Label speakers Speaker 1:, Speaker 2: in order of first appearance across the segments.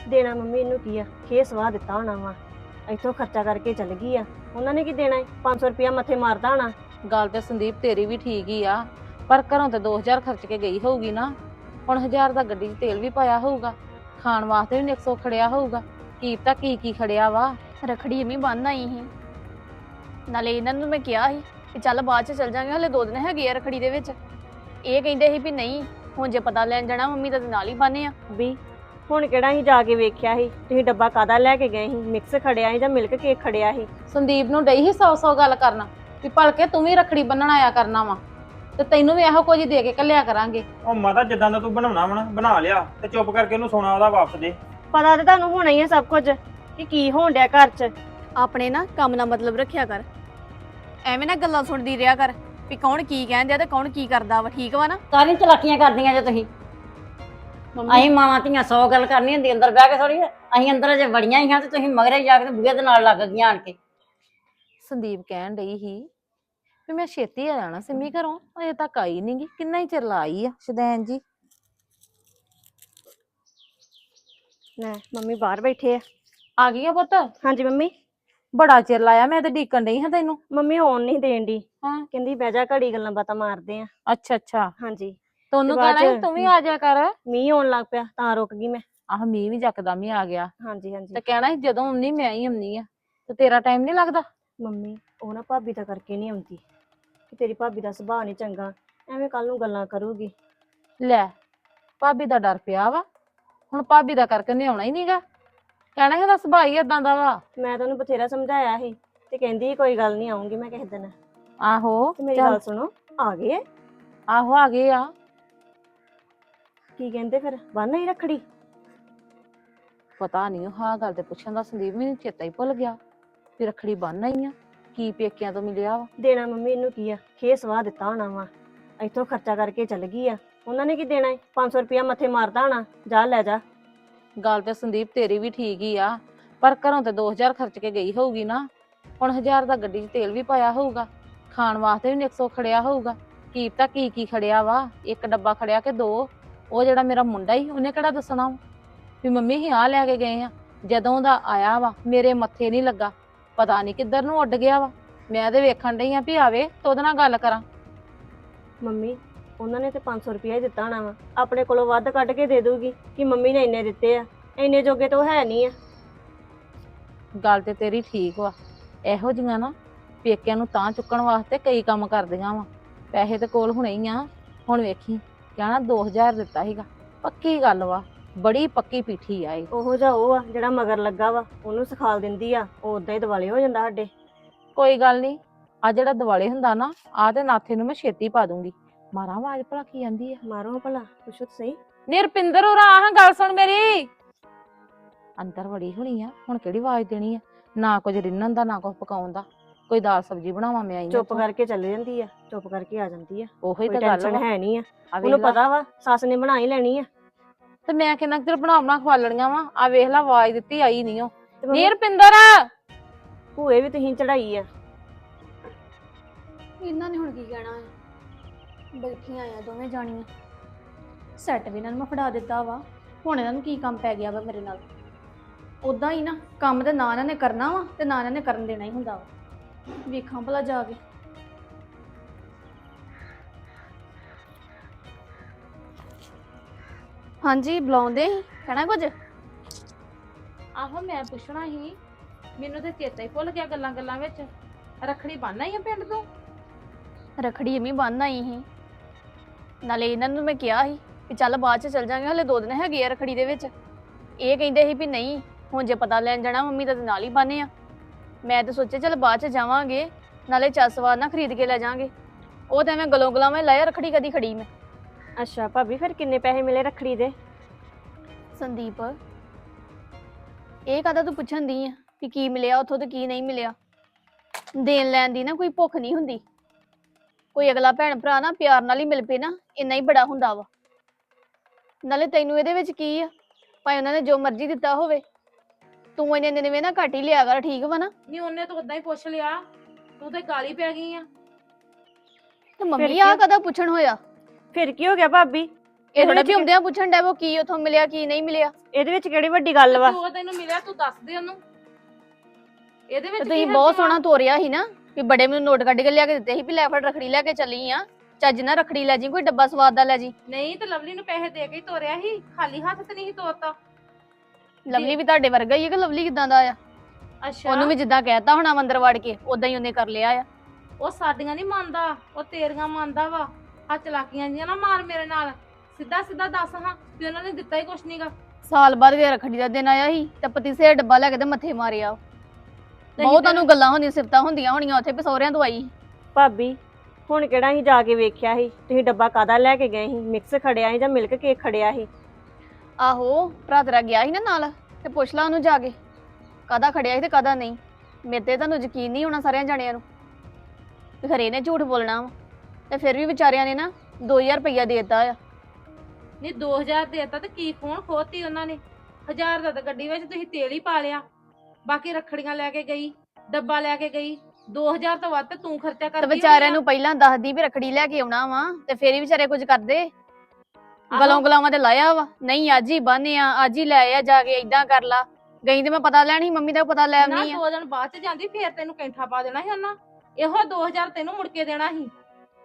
Speaker 1: ਦੇਣਾ ਮੰਮੀ ਇਹਨੂੰ ਕੀ ਆ, ਖੇ ਸਵਾਹ ਦਿੱਤਾ ਹੋਣਾ ਵਾ। ਇੱਥੋਂ ਖਰਚਾ ਕਰਕੇ ਚੱਲ ਗਈ ਆ, ਉਹਨਾਂ ਨੇ ਕੀ ਦੇਣਾ ਏ? 500 ਰੁਪਇਆ ਮੱਥੇ ਮਾਰਦਾ ਹੋਣਾ।
Speaker 2: ਗੱਲ ਤੇ ਸੰਦੀਪ ਤੇਰੀ ਵੀ ਠੀਕ ਹੀ ਆ, ਪਰ ਘਰੋਂ ਤੇ 2000 ਖਰਚ ਕੇ ਗਈ ਹੋਊਗੀ ਨਾ। ਹੁਣ 1000 ਦਾ ਗੱਡੀ 'ਚ ਤੇਲ ਵੀ ਪਾਇਆ ਹੋਊਗਾ, ਖਾਣ ਵਾਸਤੇ ਵੀ 100 ਖੜਿਆ ਹੋਊਗਾ। ਕੀ ਪਤਾ ਕੀ ਕੀ ਖੜਿਆ ਵਾ।
Speaker 3: ਰਖੜੀ ਐਵੇਂ ਬੰਨ ਆਈ ਸੀ, ਨਾਲੇ ਇਹਨਾਂ ਨੂੰ ਮੈਂ ਕਿਹਾ ਸੀ ਕਿ ਚੱਲ ਬਾਅਦ ਚ ਚੱਲ ਜਾਾਂਗੇ, ਹਲੇ 2 ਦਿਨ ਹੈਗੇ ਆ ਰਖੜੀ ਦੇ ਵਿੱਚ। ਇਹ ਕਹਿੰਦੇ ਸੀ ਵੀ ਨਹੀਂ, ਹੁਣ ਜੇ ਪਤਾ ਲੈਣ ਜਾਣਾ ਮੰਮੀ ਤਾਂ ਨਾਲ ਹੀ ਬੰਨੇ ਆ।
Speaker 1: ਵੀ ਹੁਣ ਕਿਹੜਾ ਹੀ ਜਾ ਕੇ ਵੇਖਿਆ ਸੀ? ਤੁਸੀਂ ਡੱਬਾ ਕਾਦਾ ਲੈ ਕੇ ਗਏ ਸੀ? ਮਿਕਸ ਖੜਿਆ ਸੀ ਜਾਂ ਮਿਲਕ ਕੇਕ ਖੜਿਆ ਸੀ?
Speaker 2: ਸੰਦੀਪ ਨੂੰ ਡਈ ਹੀ 100 ਗੱਲ ਕਰਨਾ ਵੀ ਭਲਕੇ ਤੂੰ ਵੀ ਰਖੜੀ ਬੰਨਣ ਆਇਆ ਕਰਨਾ ਵਾ, ਤੇ ਤੈਨੂੰ ਵੀ ਇਹੋ ਕੁਝ ਦੇ ਕੇ ਘੱਲਿਆ ਕਰਾਂਗੇ।
Speaker 4: ਉਹ ਮਾਤਾ ਜਿੱਦਾਂ ਦਾ ਤੂੰ ਬਣਾਉਣਾ ਵਾ ਨਾ ਬਣਾ ਲਿਆ, ਤੇ ਚੁੱਪ ਕਰਕੇ ਉਹਨੂੰ ਸੋਨਾ ਉਹਦਾ ਵਾਪਸ ਦੇ।
Speaker 1: ਪਤਾ ਤੇ ਤੁਹਾਨੂੰ ਹੋਣਾ ਹੀ ਆ ਸਭ ਕੁਝ ਕਿ ਕੀ ਹੋਣ ਡਿਆ ਘਰ 'ਚ।
Speaker 3: ਆਪਣੇ ਨਾ ਕੰਮ ਨਾਲ ਮਤਲਬ ਰੱਖਿਆ ਕਰ, ਐਵੇਂ ਨਾ ਗੱਲਾਂ ਸੁਣਦੀ ਰਿਹਾ ਕਰ ਵੀ ਕੌਣ ਕੀ ਕਹਿੰਦੇ ਆ ਤੇ ਕੌਣ ਕੀ ਕਰਦਾ ਵਾ। ਠੀਕ ਵਾ ਨਾ?
Speaker 5: ਸਾਰੀਆਂ ਚਲਾਕੀਆਂ ਕਰਦੀਆਂ ਜੇ ਤੁਸੀਂ। ਅਸੀਂ ਮਾਵਾਂ ਧੀਆਂ 100 ਗੱਲ ਕਰਨੀ ਹੁੰਦੀ ਅੰਦਰ ਬਹਿ ਕੇ ਥੋੜੀ। ਅਸੀਂ ਅੰਦਰ ਅਜੇ ਵੜੀਆਂ ਹੀ ਹਾਂ ਤੇ ਤੁਸੀਂ ਮਗਰੇ ਜਾ ਕੇ ਬੂਹੇ ਦੇ ਨਾਲ ਲੱਗ ਗਈਆਂ ਆਣ ਕੇ।
Speaker 2: ਸੰਦੀਪ ਕਹਿਣ ਡਈ ਸੀ ਵੀ ਮੈਂ ਛੇਤੀ ਆ ਜਾਣਾ ਸਿੰਮੀ ਘਰੋਂ, ਅਜੇ ਤੱਕ ਆਈ ਨੀ ਗੀ। ਕਿੰਨਾ ਹੀ ਚਿਰ ਲਾਈ ਆ ਸ਼ਦੈਨ ਜੀ।
Speaker 1: ਲੈ ਮੰਮੀ ਬਾਹਰ ਬੈਠੇ ਆ।
Speaker 2: ਆ ਗਈ ਆ ਪੁੱਤ?
Speaker 1: ਹਾਂਜੀ ਮੰਮੀ।
Speaker 2: ਬੜਾ ਚਿਰ ਲਾਇਆ, ਮੈਂ ਤੇ ਡੀਕਣ ਡਈ ਹਾਂ ਤੈਨੂੰ।
Speaker 1: ਮੰਮੀ ਆਉਣ ਨਹੀਂ ਦੇਣ ਦੀ,
Speaker 2: ਹਾਂ
Speaker 1: ਕਹਿੰਦੀ ਬਹਿ ਜਾ ਘੜੀ ਗੱਲਾਂ ਬਾਤਾਂ ਮਾਰਦੇ ਆ।
Speaker 2: ਅੱਛਾ ਅੱਛਾ,
Speaker 1: ਹਾਂਜੀ
Speaker 2: ਤੈਨੂੰ
Speaker 1: ਤੇ ਬਾਅਦ
Speaker 2: ਕਹਿਣਾ ਸੀ
Speaker 1: ਚ
Speaker 2: ਤੂੰ ਵੀ ਆ ਜਾ ਕਰ।
Speaker 1: ਮੀਂਹ ਆਉਣ ਲੱਗ ਪਿਆ ਤਾਂ ਰੁਕ ਗਈ ਮੈਂ।
Speaker 2: ਆਹ ਮੀਂਹ ਵੀ ਜੱਕਦਮ ਹੀ ਆ ਗਿਆ,
Speaker 1: ਹਾਂਜੀ ਹਾਂਜੀ।
Speaker 2: ਤੇ ਕਹਿਣਾ ਸੀ ਜਦੋਂ ਆਉਣੀ ਮੈਂ ਹੀ ਆਉਣੀ ਆ, ਤੇ ਤੇਰਾ ਟਾਈਮ ਨਹੀਂ ਲੱਗਦਾ।
Speaker 1: ਮੰਮੀ ਉਹ ਨਾ ਭਾਬੀ ਤਾਂ ਕਰਕੇ ਨਹੀਂ ਆਉਂਦੀ ਕਿ ਤੇਰੀ ਭਾਬੀ ਦਾ ਸੁਭਾਅ ਨਹੀਂ ਚੰਗਾ, ਐਵੇਂ ਕੱਲ ਨੂੰ ਗੱਲਾਂ ਕਰੂਗੀ।
Speaker 2: ਲੈ ਭਾਬੀ ਦਾ ਡਰ ਪਿਆ ਵਾ, ਹੁਣ ਭਾਬੀ ਦਾ ਕਰਕੇ ਨਹੀਂ ਆਉਣਾ ਹੀ ਨਹੀਂਗਾ। ਕਹਿਣਾ ਇਹਦਾ ਸੁਭਾਅ ਹੀ ਏਦਾਂ ਦਾ ਵਾ।
Speaker 1: ਮੈਂ ਤਾਂ ਉਹਨੂੰ ਬਥੇਰਾ ਸਮਝਾਇਆ ਸੀ ਤੇ ਕਹਿੰਦੀ ਕੋਈ ਗੱਲ ਨਹੀਂ, ਆਉਂਗੀ ਮੈਂ ਕਿਸੇ ਦਿਨ।
Speaker 2: ਆਹੋ
Speaker 1: ਤੇ ਮੇਰੀ
Speaker 2: ਚੱਲ।
Speaker 1: ਗੱਲ ਸੁਣੋ, ਆ ਗਏ?
Speaker 2: ਆਹੋ ਆ ਗਏ ਆ।
Speaker 1: ਕੀ ਕਹਿੰਦੇ ਫਿਰ, ਬੰਨ ਆਈ ਰੱਖੜੀ?
Speaker 2: ਪਤਾ ਨਹੀਂ ਹਾਂ ਗੱਲ ਤੇ ਪੁੱਛਣ ਦਾ ਸੰਦੀਪ ਮੈਨੂੰ ਚੇਤਾ ਹੀ ਭੁੱਲ ਗਿਆ ਵੀ ਰੱਖੜੀ ਬੰਨ ਆਈ ਆ। ਕੀ ਪੇਕਿਆਂ ਤੋਂ ਮਿਲਿਆ ਵਾ?
Speaker 1: ਦੇਣਾ ਮੰਮੀ ਇਹਨੂੰ ਕੀ ਆ, ਖੇ ਸਵਾਹ ਦਿੱਤਾ ਹੋਣਾ ਵਾ। ਇੱਥੋਂ ਖਰਚਾ ਕਰਕੇ ਚੱਲ ਗਈ ਆ, ਉਹਨਾਂ ਨੇ ਕੀ ਦੇਣਾ ਏ? 500 ਰੁਪਇਆ ਮੱਥੇ ਮਾਰਦਾ ਹੋਣਾ, ਜਾ ਲੈ ਜਾ।
Speaker 2: ਗੱਲ ਤੇ ਸੰਦੀਪ ਤੇਰੀ ਵੀ ਠੀਕ ਹੀ ਆ, ਪਰ ਘਰੋਂ ਤੇ 2000 ਖਰਚ ਕੇ ਗਈ ਹੋਊਗੀ ਨਾ। ਹੁਣ 1000 ਦਾ ਗੱਡੀ 'ਚ ਤੇਲ ਵੀ ਪਾਇਆ ਹੋਊਗਾ, ਖਾਣ ਵਾਸਤੇ ਵੀ 100 ਖੜਿਆ ਹੋਊਗਾ। ਕੀ ਪਤਾ ਕੀ ਕੀ ਖੜਿਆ ਵਾ। ਇੱਕ ਡੱਬਾ ਖੜਿਆ ਕਿ 2? ਉਹ ਜਿਹੜਾ ਮੇਰਾ ਮੁੰਡਾ ਹੀ ਉਹਨੇ ਕਿਹੜਾ ਦੱਸਣਾ ਵੀ ਮੰਮੀ ਹੀ ਆ ਲੈ ਕੇ ਗਏ ਆ। ਜਦੋਂ ਦਾ ਆਇਆ ਵਾ ਮੇਰੇ ਮੱਥੇ ਨਹੀਂ ਲੱਗਾ, ਪਤਾ ਨਹੀਂ ਕਿੱਧਰ ਨੂੰ ਉੱਡ ਗਿਆ ਵਾ। ਮੈਂ ਤੇ ਵੇਖਣ ਡਈ ਆ ਵੀ ਆਵੇ ਤੇ ਉਹਦੇ ਨਾਲ ਗੱਲ ਕਰਾਂ।
Speaker 1: ਮੰਮੀ ਉਹਨਾਂ ਨੇ ਤੇ 500 ਰੁਪਇਆ ਹੀ ਦਿੱਤਾ ਹੋਣਾ ਵਾ, ਆਪਣੇ ਕੋਲੋਂ ਵੱਧ ਕੱਢ ਕੇ ਦੇ ਦੂਗੀ ਕਿ ਮੰਮੀ ਨੇ ਇੰਨੇ ਦਿੱਤੇ ਆ। ਇੰਨੇ ਜੋਗੇ ਤਾਂ ਉਹ ਹੈ ਨਹੀਂ ਆ।
Speaker 2: ਗੱਲ ਤੇ ਤੇਰੀ ਠੀਕ ਵਾ, ਇਹੋ ਜਿਹੀਆਂ ਨਾ ਪੇਕਿਆਂ ਨੂੰ ਤਾਂ ਚੁੱਕਣ ਵਾਸਤੇ ਕਈ ਕੰਮ ਕਰਦੀਆਂ ਵਾ। ਪੈਸੇ ਤੇ ਕੋਲ ਹੁਣੇ ਹੀ ਆ। ਹੁਣ ਵੇਖੀ ਕਹਿਣਾ 2000 ਦਿੱਤਾ ਸੀਗਾ, ਪੱਕੀ ਗੱਲ ਵਾ, ਬੜੀ ਪੱਕੀ ਪੀਠੀ ਆ ਇਹ।
Speaker 1: ਉਹੋ ਜਿਹਾ ਉਹ ਆ ਜਿਹੜਾ ਮਗਰ ਲੱਗਾ ਵਾ, ਉਹਨੂੰ ਸਿਖਾਲ ਦਿੰਦੀ ਆ, ਉਹ ਉਦਾਂ ਹੀ ਦਿਵਾਲੇ ਹੋ ਜਾਂਦਾ ਸਾਡੇ।
Speaker 2: ਕੋਈ ਗੱਲ ਨਹੀਂ, ਆ ਜਿਹੜਾ ਦਿਵਾਲੇ ਹੁੰਦਾ ਨਾ, ਆ ਤੇ ਨਾਥੇ ਨੂੰ ਮੈਂ ਛੇਤੀ ਪਾ ਦੂੰਗੀ। ਮਾਰਾਂ ਆਵਾਜ਼ ਭਲਾ ਕੀ ਆਂਦੀ ਆ?
Speaker 1: ਮਾਰੋ ਭਲਾ, ਪੁੱਛੋ ਤਾਂ ਸਹੀ।
Speaker 2: ਨਿਰਪਿੰਦਰ ਉਰਾ ਆਹ ਗੱਲ ਸੁਣ ਮੇਰੀ। ਅੰਦਰ ਵੜੀ ਹੋਣੀ ਆ, ਹੁਣ ਕਿਹੜੀ ਆਵਾਜ਼ ਦੇਣੀ ਆ? ਨਾ ਕੁਝ ਰਿੰਨਣ ਦਾ, ਨਾ ਕੁਝ ਪਕਾਉਣ ਦਾ। ਕੋਈ ਦਾਲ ਸਬਜ਼ੀ ਬਣਾਵਾਂ ਮੈਂ ਆਈ
Speaker 1: ਚੁੱਪ ਕਰਕੇ ਚੱਲ ਜਾਂਦੀ ਆ, ਚੁੱਪ ਕਰਕੇ ਆ ਜਾਂਦੀ ਆ।
Speaker 2: ਉਹੀ
Speaker 1: ਕੋਈ
Speaker 2: ਤਾਂ ਗੱਲ
Speaker 1: ਟੈਨਸ਼ਨ
Speaker 2: ਵਾ।
Speaker 1: ਹੈ ਨਹੀਂ ਆ,
Speaker 2: ਆ ਵੇਖ
Speaker 1: ਉਹਨੂੰ
Speaker 2: ਲਾ,
Speaker 1: ਪਤਾ ਵਾ ਸੱਸ ਨੇ ਬਣਾ ਹੀ ਲੈਣੀ ਆ।
Speaker 2: ਤੇ ਮੈਂ ਕਿੰਨਾ ਕੁ ਚਿਰ ਬਣਾ ਖਵਾਲਣੀਆਂ ਵਾ। ਆ ਵੇਖ ਲਾ ਆਵਾਜ਼ ਦਿੱਤੀ ਆਈ ਨਹੀਂ ਉਹ।
Speaker 1: ਤੇ ਮੰਮੀ
Speaker 2: ਨਿਰਪਿੰਦਰ
Speaker 1: ਭੂਏ ਵੀ ਤੁਸੀਂ ਚੜਾਈ ਆ।
Speaker 3: ਇਹਨਾਂ ਨੇ ਹੁਣ ਕੀ ਕਹਿਣਾ ਹੈ? ਬੈਠੀਆਂ ਆ ਦੋਵੇਂ ਜਾਣੀਆਂ, ਸੈੱਟ ਵੀ ਇਹਨਾਂ ਨੂੰ ਮੈਂ ਫੜਾ ਦਿੱਤਾ ਵਾ। ਹੁਣ ਇਹਨਾਂ ਨੂੰ ਕੀ ਕੰਮ ਪੈ ਗਿਆ ਵਾ ਮੇਰੇ ਨਾਲ? ਉਦਾਂ ਹੀ ਨਾ ਕੰਮ ਤੇ ਨਾ ਇਹਨਾਂ ਨੇ ਕਰਨਾ ਵਾ ਤੇ ਨਾ ਇਹਨਾਂ ਨੇ ਕਰਨ ਦੇਣਾ ਹੀ ਹੁੰਦਾ ਵਾ। ਵੇਖਾਂ ਭਲਾ ਜਾ ਕੇ। ਹਾਂਜੀ ਬੁਲਾਉਂਦੇ ਸੀ, ਕਹਿਣਾ ਕੁਝ?
Speaker 2: ਆਹੋ ਮੈਂ ਪੁੱਛਣਾ ਸੀ, ਮੈਨੂੰ ਤੇ ਚੇਤਾ ਹੀ ਭੁੱਲ ਗਿਆ ਗੱਲਾਂ ਗੱਲਾਂ ਵਿੱਚ। ਰੱਖੜੀ ਬੰਨ ਆਈ ਆ ਪਿੰਡ ਤੋਂ?
Speaker 3: ਰਖੜੀ ਐਵੇਂ ਬੰਨ ਆਈ ਸੀ, ਨਾਲੇ ਇਹਨਾਂ ਨੂੰ ਮੈਂ ਕਿਹਾ ਸੀ ਕਿ ਚੱਲ ਬਾਅਦ ਚ ਚੱਲ ਜਾਾਂਗੇ, ਹਲੇ 2 ਦਿਨ ਹੈਗੇ ਆ ਰਖੜੀ ਦੇ ਵਿੱਚ। ਇਹ ਕਹਿੰਦੇ ਸੀ ਵੀ ਨਹੀਂ, ਹੁਣ ਜੇ ਪਤਾ ਲੈਣ ਜਾਣਾ ਮੰਮੀ ਤਾਂ ਨਾਲ ਹੀ ਬੰਨੇ ਆ। ਮੈਂ ਤਾਂ ਸੋਚਿਆ ਚੱਲ ਬਾਅਦ ਚ ਜਾਵਾਂਗੇ, ਨਾਲੇ ਚਸਵਾਰ ਨਾ ਖਰੀਦ ਕੇ ਲੈ ਜਾਾਂਗੇ। ਉਹ ਤਾਂ ਐਵੇਂ ਗਲੋਂ ਗਲਾਵੇਂ ਲਾਇਆ, ਰਖੜੀ ਕਦੀ ਖੜੀ ਮੈਂ।
Speaker 1: ਅੱਛਾ ਭਾਬੀ, ਫਿਰ ਕਿੰਨੇ ਪੈਸੇ ਮਿਲੇ ਰੱਖੜੀ ਦੇ?
Speaker 3: ਸੰਦੀਪ ਇਹ ਕਾਹਦਾ ਤੂੰ ਪੁੱਛਣ ਦੀ ਆ ਵੀ ਕੀ ਮਿਲਿਆ ਉੱਥੋਂ ਤੇ ਕੀ ਨਹੀਂ ਮਿਲਿਆ? ਦੇਣ ਲੈਣ ਦੀ ਨਾ ਕੋਈ ਭੁੱਖ ਨਹੀਂ ਹੁੰਦੀ। ਕੋਈ ਅਗਲਾ ਭੈਣ ਭਰਾ ਨਾ ਪਿਆਰ ਨਾਲ ਹੀ ਮਿਲ ਪਏ ਨਾ, ਇੰਨਾ ਹੀ ਬੜਾ ਹੁੰਦਾ ਵਾ। ਨਾਲੇ ਤੈਨੂੰ ਇਹਦੇ ਵਿੱਚ ਕੀ ਆ, ਭਾਵੇਂ ਉਹਨਾਂ ਨੇ ਜੋ ਮਰਜ਼ੀ ਦਿੱਤਾ ਹੋਵੇ, ਤੂੰ ਇੰਨੇ ਨਵੇਂ ਨਾ ਘੱਟ ਹੀ ਲਿਆ ਕਰ, ਠੀਕ ਵਾ ਨਾ?
Speaker 2: ਨਹੀਂ ਉਹਨੇ ਤਾਂ ਉਦਾਂ ਹੀ ਪੁੱਛ ਲਿਆ, ਤੂੰ ਤੇ ਗਾਲੀ ਪੈ ਗਈ ਆ।
Speaker 3: ਤੇ ਮੰਮੀ ਆ ਕਦਾ ਪੁੱਛਣ ਹੋਇਆ?
Speaker 1: ਫਿਰ ਕੀ ਹੋ ਗਿਆ ਭਾਬੀ?
Speaker 3: ਇਹ
Speaker 1: ਇਹਦੇ
Speaker 3: ਥੋੜਾ
Speaker 1: ਵਿੱਚ
Speaker 3: ਵੀ ਹੁੰਦਿਆਂ ਪੁੱਛਣ ਡੈ ਉਹ ਕੀ ਉਥੋਂ ਮਿਲਿਆ ਕੀ ਨਹੀਂ ਮਿਲਿਆ।
Speaker 1: ਇਹਦੇ ਵਿੱਚ ਕਿਹੜੀ ਵੱਡੀ ਗੱਲ ਵਾ?
Speaker 2: ਜੋ ਤੈਨੂੰ ਮਿਲਿਆ ਤੂੰ ਦੱਸ ਦੇ ਉਹਨੂੰ। ਇਹਦੇ
Speaker 3: ਤੇ
Speaker 2: ਵਿੱਚ
Speaker 3: ਤੁਸੀਂ ਬਹੁਤ ਸੋਹਣਾ ਤੋਰਿਆ ਸੀ ਨਾ ਵੀ ਬੜੇ ਮੈਨੂੰ ਨੋਟ ਕੱਢ ਕੇ ਲਿਆ ਕੇ ਦਿੱਤੇ ਸੀ ਵੀ ਲੈ ਫੜ ਰਖੜੀ ਲੈ ਕੇ ਚੱਲੀ ਆ, ਚੱਜ ਨਾਲ ਰਖੜੀ ਲੈ ਜੀ, ਕੋਈ ਡੱਬਾ ਸਵਾਦ ਦਾ ਲੈ ਜੀ।
Speaker 2: ਨਹੀਂ ਤੇ ਲਵਲੀ ਨੂੰ ਪੈਸੇ ਦੇ ਕੇ ਹੀ ਤੋਰਿਆ ਸੀ, ਖਾਲੀ ਹੱਥ ਤੇ ਨਹੀਂ ਸੀ ਤੋਰਤਾ।
Speaker 3: ਲਵਲੀ ਵੀ ਤੁਹਾਡੇ ਵਰਗਾ ਹੀ ਹੈ ਕਿ ਲਵਲੀ ਕਿਦਾਂ ਦਾ ਆ?
Speaker 2: ਅੱਛਾ
Speaker 3: ਉਹਨੂੰ ਵੀ ਜਿੱਦਾਂ ਕਹਿਤਾ ਹੋਣਾ ਅੰਦਰ ਵੜ ਕੇ ਉਦਾਂ ਹੀ ਉਹਨੇ ਕਰ ਲਿਆ ਆ।
Speaker 2: ਉਹ ਸਾਡੀਆਂ ਨਹੀਂ ਮੰਨਦਾ, ਉਹ ਤੇਰੀਆਂ ਮੰਨਦਾ ਵਾ। ਆ ਚਲਾਕੀਆਂ ਜੀਆਂ ਨਾ ਮਾਰ ਮੇਰੇ ਨਾਲ, ਸਿੱਧਾ ਸਿੱਧਾ ਦੱਸ ਹਾਂ ਵੀ ਉਹਨਾਂ ਨੇ ਦਿੱਤਾ ਹੀ ਕੁਛ ਨਹੀਂਗਾ।
Speaker 3: ਸਾਲ ਬਾਅਦ ਕੇ ਰਖੜੀ ਦਾ ਦਿਨ ਆਇਆ ਸੀ ਤੇ ਪਤੀਸੇ ਦਾ ਡੱਬਾ ਲੈ ਕੇ ਤੇ ਮੱਥੇ ਮਾਰਿਆ। ਬਹੁਤ ਤੁਹਾਨੂੰ ਗੱਲਾਂ ਹੁੰਦੀਆਂ, ਸਿਫਤਾਂ ਹੁੰਦੀਆਂ ਹੋਣੀਆਂ ਉੱਥੇ ਵੀ ਸਹੁਰਿਆਂ ਤੋਂ ਆਈ।
Speaker 1: ਭਾਬੀ ਹੁਣ ਕਿਹੜਾ ਅਸੀਂ ਜਾ ਕੇ ਵੇਖਿਆ ਸੀ ਤੁਸੀਂ ਡੱਬਾ ਕਾਦਾ ਲੈ ਕੇ ਗਏ ਸੀ? ਮਿਕਸ ਖੜਿਆ ਸੀ ਜਾਂ ਮਿਲਕ ਕੇਕ ਖੜਿਆ ਸੀ?
Speaker 3: ਆਹੋ ਭਰਾ ਤੇਰਾ ਗਿਆ ਸੀ ਨਾ ਨਾਲ, ਤੇ ਪੁੱਛ ਲਾ ਉਹਨੂੰ ਜਾ ਕੇ ਕਾਹਦਾ ਖੜਿਆ ਸੀ ਤੇ ਕਾਹਦਾ ਨਹੀਂ। ਮੇਰੇ ਤੇ ਤੁਹਾਨੂੰ ਯਕੀਨ ਨਹੀਂ ਹੋਣਾ ਸਾਰਿਆਂ ਜਾਣਿਆਂ ਨੂੰ ਤੇ ਖਰੇ ਨੇ ਝੂਠ ਬੋਲਣਾ ਵਾ। ਤੇ ਫਿਰ ਵੀ ਵਿਚਾਰਿਆਂ ਨੇ ਨਾ 2000 ਰੁਪਇਆ ਦੇ ਦਿੱਤਾ ਆ।
Speaker 2: ਨਹੀਂ 2000 ਦੇਤਾ ਤੇ ਕੀ ਖੋਣ ਖੋਤੀ ਉਹਨਾਂ ਨੇ? 1000 ਦਾ ਤਾਂ ਗੱਡੀ ਵਿੱਚ ਤੁਸੀਂ ਤੇਲ ਹੀ ਪਾ ਲਿਆ, ਬਾਕੀ ਰੱਖੜੀਆਂ ਲੈ ਕੇ ਗਈ, ਡੱਬਾ ਲੈ ਕੇ ਗਈ। 2000 ਤੋਂ ਵੱਧ ਤੇ ਤੂੰ ਖਰਚਾ
Speaker 3: ਤੇ
Speaker 2: ਕਰਦੀ
Speaker 3: ਵਿਚਾਰਿਆਂ ਨੂੰ ਪਹਿਲਾਂ ਦੱਸਦੀ ਵੀ ਰਖੜੀ ਲੈ ਕੇ ਆਉਣਾ ਵਾ ਤੇ ਫੇਰ ਹੀ ਵਿਚਾਰੇ ਕੁਝ ਕਰਦੇ। ਗਲੋਂ ਗਲਾਵਾਂ ਤੇ ਲਾਇਆ ਵਾ, ਨਹੀਂ ਅੱਜ ਹੀ ਬੰਨਿਆ, ਅੱਜ ਹੀ ਲੈ ਆ ਜਾ ਕੇ, ਏਦਾਂ ਕਰ ਲਾ। ਗਈ ਤੇ ਮੈਂ ਪਤਾ ਲੈਣ ਸੀ, ਮੰਮੀ ਦਾ ਪਤਾ ਲੈ
Speaker 2: ਨਾ
Speaker 3: ਆਉਣੀ ਆ।
Speaker 2: 2 ਦਿਨ ਬਾਅਦ ਚ ਜਾਂਦੀ ਫੇਰ ਤੈਨੂੰ ਕੈਂਠਾ ਪਾ ਦੇਣਾ ਸੀ ਉਹਨਾਂ। ਇਹੋ 2000 ਤੈਨੂੰ ਮੁੜ ਕੇ ਦੇਣਾ ਸੀ।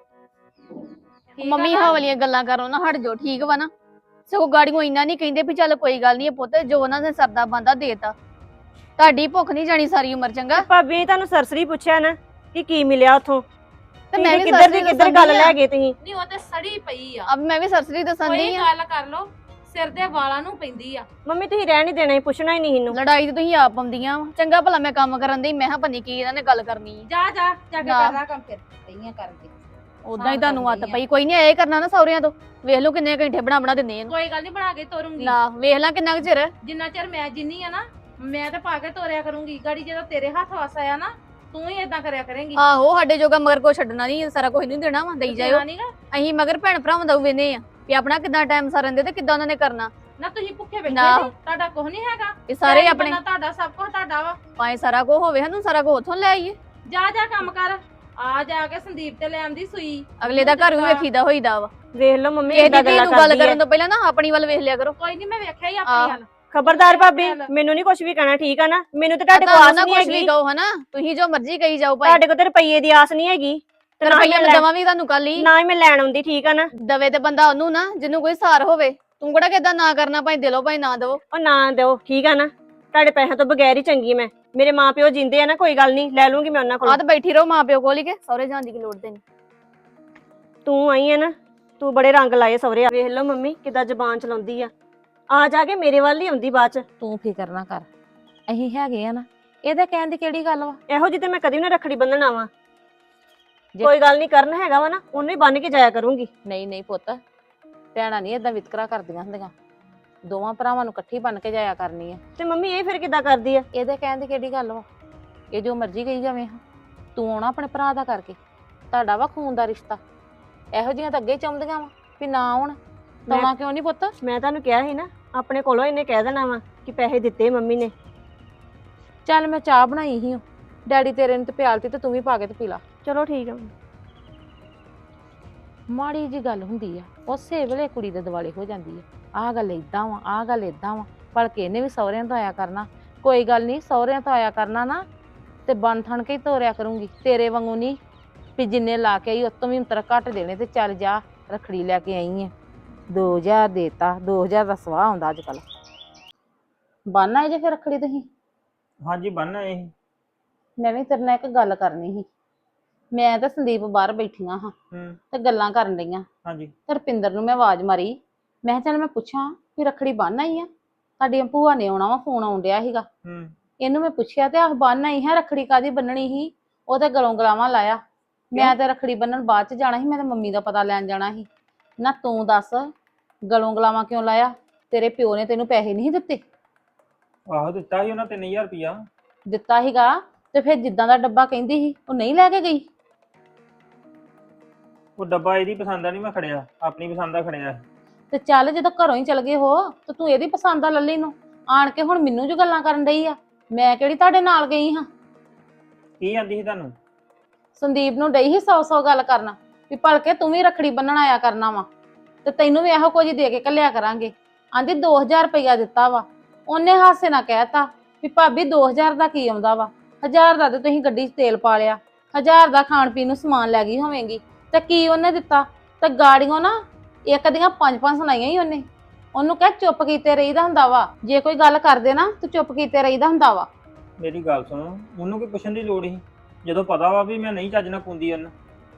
Speaker 2: ਠੀਕ ਆ
Speaker 3: ਮੰਮੀ
Speaker 2: ਨਾ?
Speaker 3: ਹਾਂ ਵਾਲੀਆਂ ਗੱਲਾਂ ਕਰੋ ਨਾ, ਹਟ ਜਾਓ ਠੀਕ ਵਾ ਨਾ। ਸਗੋਂ ਗਾੜੀਆਂ ਇੰਨਾ ਨਹੀਂ ਕਹਿੰਦੇ ਵੀ ਚੱਲ ਕੋਈ ਗੱਲ ਨਹੀਂ ਪੁੱਤ, ਜੋ ਉਹਨਾਂ ਨੇ ਸਰਦਾ ਬੰਦਾ ਦੇਤਾ। ਤੁਹਾਡੀ ਭੁੱਖ ਨਹੀਂ ਜਾਣੀ ਸਾਰੀ ਉਮਰ, ਚੰਗਾ।
Speaker 1: ਭਾਬੀ ਨੇ ਤੁਹਾਨੂੰ ਸਰਸਰੀ ਪੁੱਛਿਆ ਨਾ ਕਿ ਕੀ ਮਿਲਿਆ ਉਥੋਂ?
Speaker 3: ਤੇ ਮੈਂ ਵੀ
Speaker 1: ਕਿੱਧਰ ਦੀ ਕਿੱਧਰ ਗੱਲ ਲੈ ਗਏ ਤੁਸੀਂ?
Speaker 2: ਨਹੀਂ ਉਹ ਤੇ ਸੜੀ ਪਈ ਆ।
Speaker 3: ਅਬ ਮੈਂ ਵੀ ਸਰਸਰੀ ਦੱਸਣ
Speaker 2: ਕੋਈ
Speaker 3: ਦੀ ਆ।
Speaker 2: ਗੱਲ ਕਰ ਲੋ, ਸਿਰ ਦੇ ਵਾਲਾਂ ਨੂੰ ਪੈਂਦੀ ਆ।
Speaker 1: ਮੰਮੀ ਤੁਸੀਂ ਰਹਿਣ ਹੀ ਦੇਣਾ ਸੀ, ਪੁੱਛਣਾ ਹੀ ਨਹੀਂ ਇਹਨੂੰ।
Speaker 3: ਲੜਾਈ ਤੇ ਤੁਸੀਂ ਆਪ ਆਉਂਦੀਆਂ ਵਾ। ਚੰਗਾ ਭਲਾ ਮੈਂ ਕੰਮ ਕਰਨ ਦੀ, ਮੈਂ ਕਿਹਾ ਪਤਾ ਨੀ ਕੀ ਇਹਨਾਂ ਨੇ ਗੱਲ ਕਰਨੀ ਆ।
Speaker 2: ਜਾ ਜਾ ਜਾ ਕੇ
Speaker 3: ਨਾ।
Speaker 2: ਕਰ ਰਾ ਕੰਮ ਫਿਰ ਪਈਆਂ ਕਰਕੇ।
Speaker 3: ਉਦਾਂ ਹੀ ਤੁਹਾਨੂੰ ਆਦਤ ਪਈ। ਕੋਈ ਨਹੀਂ ਇਹ ਕਰਨਾ ਨਾ ਸਹੁਰਿਆਂ ਤੋਂ। ਵੇਖ ਲਓ ਕਿੰਨੇ ਘੰਟੇ ਬਣਾ ਦਿੰਦੇ ਇਹਨੂੰ।
Speaker 2: ਕੋਈ ਗੱਲ ਨਹੀਂ, ਬਣਾ ਕੇ ਤੋਰੂੰਗੀ।
Speaker 3: ਨਾ ਵੇਖ ਲਾ ਕਿੰਨਾ ਕੁ ਚਿਰ।
Speaker 2: ਜਿੰਨਾ ਚਿਰ ਮੈਂ ਜਿੰਨੀ ਆ ਨਾ, ਮੈਂ ਤੇ ਪਾ ਕੇ ਤੋਰਿਆ ਕਰੂੰਗੀ। ਗਾੜੀ ਜਦੋਂ ਤੇਰੇ ਹੱਥ ਵਸ ਆਇਆ ਨਾ, ਤੂੰ ਹੀ ਏਦਾਂ ਕਰਿਆ ਕਰੇਂਗੀ।
Speaker 3: ਆਹੋ ਸਾਡੇ ਜੋਗਾ ਮਗਰ ਕੋ ਛੱਡਣਾ ਨਹੀਂ, ਸਾਰਾ ਕੁਝ ਨਹੀਂ ਦੇਣਾ ਵਾ, ਦੇਈ ਜਾਇਓ।
Speaker 2: ਨੀਗਾ
Speaker 3: ਅਸੀਂ ਮਗਰ ਭੈਣ ਭਰਾਵਾਂ ਦਾ ਵੇਨੇ ਆ ਵੀ ਆਪਣਾ ਕਿੱਦਾਂ ਟਾਈਮ ਸਾਰਨ ਦੇ ਤੇ ਕਿੱਦਾਂ ਉਹਨਾਂ ਨੇ ਕਰਨਾ।
Speaker 2: ਨਾ ਤੁਸੀਂ ਭੁੱਖੇ ਬੈਠੇ
Speaker 3: ਨਾ।
Speaker 2: ਜੀ, ਤੁਹਾਡਾ ਕੁਝ ਨਹੀਂ ਹੈਗਾ।
Speaker 3: ਇਹ ਸਾਰੇ
Speaker 2: ਪੈਸੇ
Speaker 3: ਆਪਣੇ
Speaker 2: ਬੰਨਾ ਤੁਹਾਡਾ, ਸਭ ਕੁਝ ਤੁਹਾਡਾ ਵਾ।
Speaker 3: ਭਾਵੇਂ ਸਾਰਾ ਕੁਝ ਹੋਵੇ, ਸਾਨੂੰ ਸਾਰਾ ਕੁਝ ਉੱਥੋਂ ਲੈ ਆਈਏ।
Speaker 2: ਜਾ ਜਾ ਕੰਮ ਕਰ। ਆ ਜਾ ਕੇ ਸੰਦੀਪ ਤੇ ਲੈ ਆਂਦੀ ਸੂਈ।
Speaker 3: ਅਗਲੇ ਦਾ ਘਰ ਵੀ ਵੇਖੀਦਾ ਹੋਈਦਾ ਵਾ।
Speaker 1: ਵੇਖ ਲਓ ਮੰਮੀ
Speaker 3: ਕਿਸੇ
Speaker 1: ਏਦਾਂ
Speaker 3: ਦੀ
Speaker 1: ਗੱਲਾਂ
Speaker 3: ਨੂੰ ਗੱਲ
Speaker 1: ਕਰਦੀ ਹੈ।
Speaker 3: ਕਰਨ ਤੋਂ ਪਹਿਲਾਂ ਨਾ ਆਪਣੀ ਵੱਲ ਵੇਖ ਲਿਆ ਕਰੋ।
Speaker 2: ਕੋਈ ਨਹੀਂ, ਮੈਂ ਵੇਖਿਆ ਹੀ
Speaker 3: ਆਹ।
Speaker 2: ਆਪਣੀ ਹਾਲ।
Speaker 1: ਖਬਰਦਾਰ ਭਾਬੀ, ਮੈਨੂੰ ਨਹੀਂ ਕੁਝ ਵੀ ਕਹਿਣਾ, ਠੀਕ ਆ ਨਾ? ਮੈਨੂੰ ਤੇ ਤੁਹਾਡੇ ਕੋਲ
Speaker 3: ਤੁਹਾਨੂੰ
Speaker 1: ਆਸ
Speaker 3: ਨਾ
Speaker 1: ਨਹੀਂ
Speaker 3: ਕੁਝ ਵੀ
Speaker 1: ਹੈਗੀ।
Speaker 3: ਕਹੋ ਹਨਾ, ਤੁਸੀਂ ਜੋ ਮਰਜ਼ੀ ਕਹੀ ਜਾਓ ਭਾਈ।
Speaker 1: ਤੁਹਾਡੇ ਕੋਲ ਤੇ ਰੁਪਈਏ ਦੀ ਆਸ ਨਹੀਂ ਹੈਗੀ ਤੇ ਨਾ ਹੀ
Speaker 3: ਰੁਪਈਆ
Speaker 1: ਮੈਂ
Speaker 3: ਮੈਂ ਦਵਾਂ ਵੀ ਤੁਹਾਨੂੰ ਕੱਲ ਹੀ।
Speaker 1: ਨਾ ਹੀ ਮੈਂ ਲੈਣ ਆਉਂਦੀ, ਠੀਕ ਆ ਨਾ?
Speaker 3: ਦਵੇ ਤੇ ਬੰਦਾ ਉਹਨੂੰ ਨਾ ਜਿਹਨੂੰ ਕੋਈ ਸਾਰ ਹੋਵੇ। ਤੂੰ ਕਿਹੜਾ ਕਿਦਾਂ ਨਾ ਕਰਨਾ, ਭਾਈ ਦਿਲੋਂ ਭਾਈ ਨਾ ਦਿਓ।
Speaker 1: ਉਹ ਨਾ ਦਿਓ, ਠੀਕ ਆ ਨਾ? ਤੁਹਾਡੇ ਪੈਸਿਆਂ ਤੋਂ ਬਗੈਰ ਹੀ ਚੰਗੀ ਮੈਂ। ਮੇਰੇ ਮਾਪਿਓ ਜਿੰਦੇ ਆ ਨਾ, ਕੋਈ ਗੱਲ ਨਹੀਂ, ਲੈ ਲੂੰਗੀ ਮੈਂ ਉਹਨਾਂ
Speaker 3: ਆਹ
Speaker 1: ਕੋਲ।
Speaker 3: ਤਾਂ ਬੈਠੀ ਰਹੋ ਮਾਂ ਪਿਓ ਕੋਲ ਹੀ, ਕੇ ਸਹੁਰੇ ਜਾਣ ਦੀ ਕੀ ਲੋੜ ਤੇ ਨਹੀਂ।
Speaker 1: ਤੂੰ ਆਈ ਹੈ ਨਾ, ਤੂੰ ਬੜੇ ਰੰਗ ਲਾਏ ਸਹੁਰੇ। ਵੇਖ ਲਓ ਮੰਮੀ ਕਿੱਦਾਂ ਜ਼ਬਾਨ ਚਲਾਉਂਦੀ ਆ ਜਾ ਕੇ ਮੇਰੇ ਵੱਲ ਹੀ ਆਉਂਦੀ ਬਾਅਦ ਚ।
Speaker 2: ਤੂੰ ਫਿਕਰ ਨਾ ਕਰ, ਅਸੀਂ ਹੈਗੇ ਆ ਨਾ। ਇਹਦੇ ਕਹਿਣ ਦੀ ਕਿਹੜੀ ਗੱਲ ਵਾ?
Speaker 1: ਇਹੋ ਜਿਹੀ ਤੇ ਮੈਂ ਕਦੀ ਵੀ ਨਾ ਰੱਖੜੀ ਬੰਨਣ ਆਵਾਂ।
Speaker 2: ਜੇ-
Speaker 1: ਕੋਈ ਗੱਲ ਨਹੀਂ, ਕਰਨ ਹੈਗਾ ਵਾ ਨਾ, ਉਹਨੂੰ ਹੀ ਬੰਨ ਕੇ ਜਾਇਆ ਕਰੂੰਗੀ।
Speaker 2: ਨਹੀਂ ਨਹੀਂ ਪੁੱਤ, ਭੈਣਾਂ ਨਹੀਂ ਏਦਾਂ ਵਿਤਕਰਾ ਕਰਦੀਆਂ ਹੁੰਦੀਆਂ। ਦੋਵਾਂ ਭਰਾਵਾਂ ਨੂੰ ਇਕੱਠੀ ਬਣ ਕੇ ਜਾਇਆ ਕਰਨੀ ਆ।
Speaker 1: ਤੇ ਮੰਮੀ ਇਹ ਫਿਰ ਕਿੱਦਾਂ ਕਰਦੀ ਆ?
Speaker 2: ਇਹਦੇ ਕਹਿਣ ਦੀ ਕਿਹੜੀ ਗੱਲ ਵਾ? ਇਹ ਜੋ ਮਰਜ਼ੀ ਕਹੀ ਜਾਵੇ ਹਾਂ। ਤੂੰ ਆਉਣਾ ਆਪਣੇ ਭਰਾ ਦਾ ਕਰਕੇ, ਤੁਹਾਡਾ ਵਾ ਖੂਨ ਦਾ ਰਿਸ਼ਤਾ। ਇਹੋ ਜਿਹੀਆਂ ਤਾਂ ਅੱਗੇ ਹੀ ਚਾਹੁੰਦੀਆਂ ਵਾ ਵੀ ਨਾ ਆਉਣ। ਤਾਉਣਾ ਕਿਉਂ ਨਹੀਂ ਪੁੱਤ?
Speaker 1: ਮੈਂ ਤੁਹਾਨੂੰ ਕਿਹਾ ਸੀ ਨਾ, ਆਪਣੇ ਕੋਲੋਂ ਇਹਨੇ ਕਹਿ ਦੇਣਾ ਵਾ ਕਿ ਪੈਸੇ ਦਿੱਤੇ ਮੰਮੀ ਨੇ।
Speaker 2: ਚੱਲ ਮੈਂ ਚਾਹ ਬਣਾਈ ਸੀ, ਡੈਡੀ ਤੇਰੇ ਨੇ ਤੇ ਪਿਆਲਤੀ, ਤੇ ਤੂੰ ਵੀ ਪਾ ਕੇ ਤੇ ਪੀ ਲਾ।
Speaker 1: ਚਲੋ ਠੀਕ ਆ।
Speaker 2: ਮਾੜੀ ਜੀ ਗੱਲ ਹੁੰਦੀ ਆ, ਉਸੇ ਵੇਲੇ ਕੁੜੀ ਦੇ ਦਿਵਾਲੇ ਹੋ ਜਾਂਦੀ ਆ। ਆਹ ਗੱਲ ਏਦਾਂ ਵਾ, ਆਹ ਗੱਲ ਏਦਾਂ ਵਾ, ਭਲਕੇ ਇਹਨੇ ਵੀ ਸਹੁਰਿਆਂ ਤੋਂ ਆਇਆ ਕਰਨਾ। ਕੋਈ ਗੱਲ ਨਹੀਂ, ਸਹੁਰਿਆਂ ਤੋਂ ਆਇਆ ਕਰਨਾ ਨਾ ਤੇ ਬਣ ਥਣ ਕੇ ਹੀ ਤੋਰਿਆ ਕਰੂੰਗੀ। ਤੇਰੇ ਵਾਂਗੂ ਨਹੀਂ ਵੀ ਜਿੰਨੇ ਲਾ ਕੇ ਆਈ ਉਤੋਂ ਵੀ ਅੰਤਰ ਘੱਟ ਦੇਣੇ ਤੇ ਚੱਲ ਜਾ ਰੱਖੜੀ ਲੈ ਕੇ ਆਈ ਆ। 2000 ਦੇਤਾ, 2000 ਦਾ ਸਵਾਹ ਆਉਂਦਾ ਅੱਜ ਕੱਲ। ਬੰਨ ਜੇ ਫਿਰ ਰੱਖੜੀ ਤੁਸੀਂ?
Speaker 4: ਹਾਂਜੀ ਬੰਨ ਇਹ।
Speaker 2: ਮੈਂ ਵੀ ਤੇਰੇ ਨਾਲ ਇੱਕ ਗੱਲ ਕਰਨੀ ਸੀ। ਮੈਂ ਤੇ ਸੰਦੀਪ ਬਾਹਰ ਬੈਠੀਆਂ ਹਾਂ ਤੇ ਗੱਲਾਂ ਕਰਨ ਡਈਆਂ।
Speaker 4: ਹਾਂਜੀ।
Speaker 2: ਤੇ ਰੁਪਿੰਦਰ ਨੂੰ ਮੈਂ ਆਵਾਜ਼ ਮਾਰੀ, ਮੈਂ ਕਿਹਾ ਚੱਲ ਮੈਂ ਪੁੱਛਾਂ ਵੀ ਰੱਖੜੀ ਬੰਨ ਆਈ ਆ? ਤੁਹਾਡੀ ਭੂਆ ਨੇ ਆਉਣਾ ਵਾ, ਫੋਨ ਆਉਣ ਡਿਆ ਸੀਗਾ। ਇਹਨੂੰ ਮੈਂ ਪੁੱਛਿਆ ਤੇ ਆਹ ਬੰਨ ਆਈ ਹੈ। ਰੱਖੜੀ ਕਾਦੀ ਬੰਨਣੀ ਸੀ? ਉਹ ਤੇ ਗਲੋਂ ਗਲਾਵਾਂ ਲਾਇਆ। ਮੈਂ ਤੇ ਰੱਖੜੀ ਬੰਨਣ ਬਾਅਦ ਚ ਜਾਣਾ ਸੀ, ਮੈਂ ਤੇ ਮੰਮੀ ਦਾ ਪਤਾ ਲੈਣ ਜਾਣਾ ਸੀ। ਨਾ ਤੂੰ ਦੱਸ, ਗਲੋਂ ਗਲਾਵਾਂ ਕਿਉਂ ਲਾਇਆ? ਤੇਰੇ ਪਿਓ ਨੇ ਤੈਨੂੰ ਪੈਸੇ ਨਹੀਂ ਦਿੱਤੇ?
Speaker 4: ਆਹੋ ਦਿੱਤਾ ਸੀ ਉਹਨਾਂ 3000 ਰੁਪਇਆ।
Speaker 2: ਦਿੱਤਾ ਸੀਗਾ ਤੇ ਫਿਰ ਜਿੱਦਾਂ ਦਾ ਡੱਬਾ ਕਹਿੰਦੀ ਸੀ ਉਹ ਨਹੀਂ ਲੈ ਕੇ ਗਈ?
Speaker 4: ਉਹ ਡੱਬਾ ਇਹਦੀ ਪਸੰਦ ਦਾ ਨਹੀਂ ਮੈਂ ਖੜਿਆ, ਆਪਣੀ ਪਸੰਦ ਦਾ ਖੜਿਆ।
Speaker 2: ਤੇ ਚੱਲ ਜਦੋਂ ਘਰੋਂ ਹੀ ਚਲ ਗਏ ਹੋ ਤੇ ਤੂੰ ਇਹਦੀ ਪਸੰਦ ਦਾ ਲੱਲੀ ਨੂੰ ਆਣ ਕੇ ਹੁਣ ਮੈਨੂੰ ਜੋ ਗੱਲਾਂ ਕਰਨ ਡਈ ਆ। ਮੈਂ ਕਿਹੜੀ ਤੁਹਾਡੇ ਨਾਲ ਗਈ ਹਾਂ?
Speaker 4: ਕੀ ਆਂਦੀ ਸੀ ਤੁਹਾਨੂੰ?
Speaker 2: ਸੰਦੀਪ ਨੂੰ ਡਈ ਸੀ 100 ਗੱਲ ਕਰਨਾ ਵੀ ਭਲਕੇ ਤੂੰ ਵੀ ਰੱਖੜੀ ਬੰਨਣ ਆਇਆ ਕਰਨਾ ਵਾ। ਤੇ ਤੈਨੂੰ ਵੀ ਇਹੋ ਕੁਝ ਹੀ ਦੇ ਕੇ ਕੱਲਿਆ ਕਰਾਂਗੇ। ਆਂਦੀ 2000 ਰੁਪਇਆ ਦਿੱਤਾ ਵਾ। ਉਹਨੇ ਹਾਸੇ ਨਾਲ ਕਹਿਤਾ ਵੀ ਭਾਬੀ 2000 ਦਾ ਕੀ ਆਉਂਦਾ ਵਾ, 1000 ਦਾ ਤੇ ਤੁਸੀਂ ਗੱਡੀ 'ਚ ਤੇਲ ਪਾ ਲਿਆ, 1000 ਦਾ ਖਾਣ ਪੀਣ ਨੂੰ ਸਮਾਨ ਲੈ ਗਈ ਹੋਵੇਂਗੀ, ਤੇ ਕੀ ਉਹਨੇ ਦਿੱਤਾ? ਤੇ ਗਾੜੀਆਂ ਨਾ ਇੱਕ ਦੀਆਂ 5-5 ਸੁਣਾਈਆਂ ਹੀ ਉਹਨੇ। ਉਹਨੂੰ ਕਹਿ ਚੁੱਪ ਕੀਤੇ ਰਹੀਦਾ ਹੁੰਦਾ ਵਾ, ਜੇ ਕੋਈ ਗੱਲ ਕਰਦੇ ਨਾ ਤੂੰ ਚੁੱਪ ਕੀਤੇ ਰਹੀਦਾ ਹੁੰਦਾ ਵਾ।
Speaker 4: ਮੇਰੀ ਗੱਲ ਸੁਣ, ਉਹਨੂੰ ਕੋਈ ਪੁੱਛਣ ਦੀ ਲੋੜ ਸੀ ਜਦੋਂ ਪਤਾ ਵਾ ਵੀ ਮੈਂ ਨਹੀਂ ਚੱਜ ਨਾਲ ਪਾਉਂਦੀ ਉਹਨੂੰ।